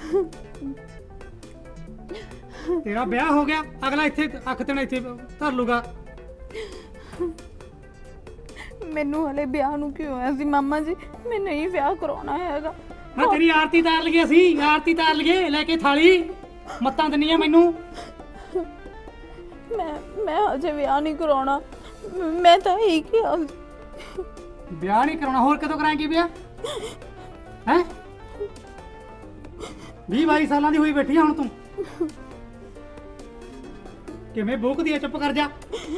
Speaker 2: ਤੇਰਾ ਵਿਆਹ ਹੋ ਗਿਆ, ਅਗਲਾ ਇੱਥੇ ਅੱਖ ਤੇ ਇੱਥੇ ਧਰ ਲੂਗਾ।
Speaker 3: ਮੈਨੂੰ ਹਲੇ ਵਿਆਹ ਨੂੰ ਕਿਉਂ ਹੋਇਆ ਸੀ ਮਾਮਾ ਜੀ? ਮੈਂ ਨਹੀਂ ਵਿਆਹ ਕਰਾਉਣਾ ਹੈਗਾ।
Speaker 2: ਮੈਂ ਤੇਰੀ ਆਰਤੀ ਤਾਰ ਲਈਏ, ਅਸੀਂ ਆਰਤੀ ਤਾਰ ਲਈਏ, ਲੈ ਕੇ ਥਾਲੀ ਮੱਤਾਂ ਦਿੰਨੀਆਂ ਮੈਨੂੰ।
Speaker 3: ਮੈਂ ਅਜੇ ਵਿਆਹ ਨਹੀਂ ਕਰਾਉਣਾ, ਮੈਂ ਤਾਂ ਇਹੀ ਕਿਹਾ।
Speaker 2: ਵਿਆਹ ਨਹੀਂ ਕਰਾਉਣਾ, ਹੋਰ ਕਦੋਂ ਕਰਾਂਗੇ ਵਿਆਹ? ਹੈ 20-22 ਸਾਲਾਂ ਦੀ ਹੋਈ ਬੈਠੀ ਆ ਹੁਣ ਤੂੰ। ਕਿਵੇਂ ਭੁੱਖਦੀ ਆ? ਚੁੱਪ ਕਰ ਜਾ।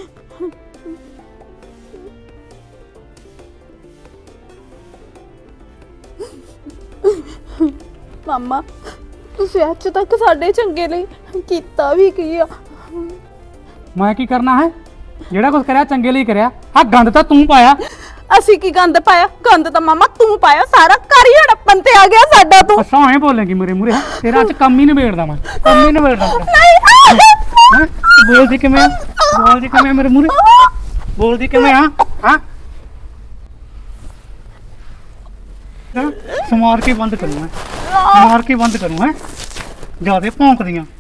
Speaker 3: ਮਾਮਾ ਤੁਸੀਂ ਅੱਜ ਤੱਕ ਸਾਡੇ ਚੰਗੇ ਲਈ ਕੀਤਾ ਵੀ ਕੀ ਆ?
Speaker 2: ਮੈਂ ਕੀ ਕਰਨਾ ਹੈ? ਜਿਹੜਾ ਕੁਝ ਕਰਿਆ ਚੰਗੇ ਲਈ ਕਰਿਆ। ਆ ਗੰਦ ਤਾਂ ਤੂੰ ਪਾਇਆ।
Speaker 3: ਅਸੀਂ ਕੀ ਗੰਦ ਪਾਇਆ? ਗੰਦ ਤਾਂ ਮਾਮਾ ਤੂੰ ਪਾਇਆ, ਸਾਰਾ ਘਰ ਹੀ ਹੜੱਪਣ ਤੇ ਆ ਗਿਆ ਸਾਡਾ। ਤੂੰ
Speaker 2: ਅੱਛਾ ਐਂ ਬੋਲੇਂਗੀ ਮੇਰੇ ਮੂਰੇ? ਤੇਰਾ ਅੱਜ ਕੰਮ ਹੀ ਨਿਬੇੜਦਾ ਮੈਂ, ਕੰਮ ਹੀ ਨਿਬੇੜਦਾ ਤੇਰਾ।
Speaker 3: ਨਹੀਂ
Speaker 2: ਬੋਲਦੀ ਕਿਵੇਂ? ਬੋਲਦੀ ਕਿਵੇਂ ਮੇਰੇ ਮੂਰੇ? ਬੋਲਦੀ ਕਿਵੇਂ ਆ? ਹਾਂ ਸਮਾਰ ਕੇ ਬੰਦ ਕਰੂੰ ਮੈਂ, ਮਾਰ ਕੇ ਬੰਦ ਕਰੂੰ ਹੈ। ਜਿਆਦੇ ਭੌਂਕਦੀਆਂ।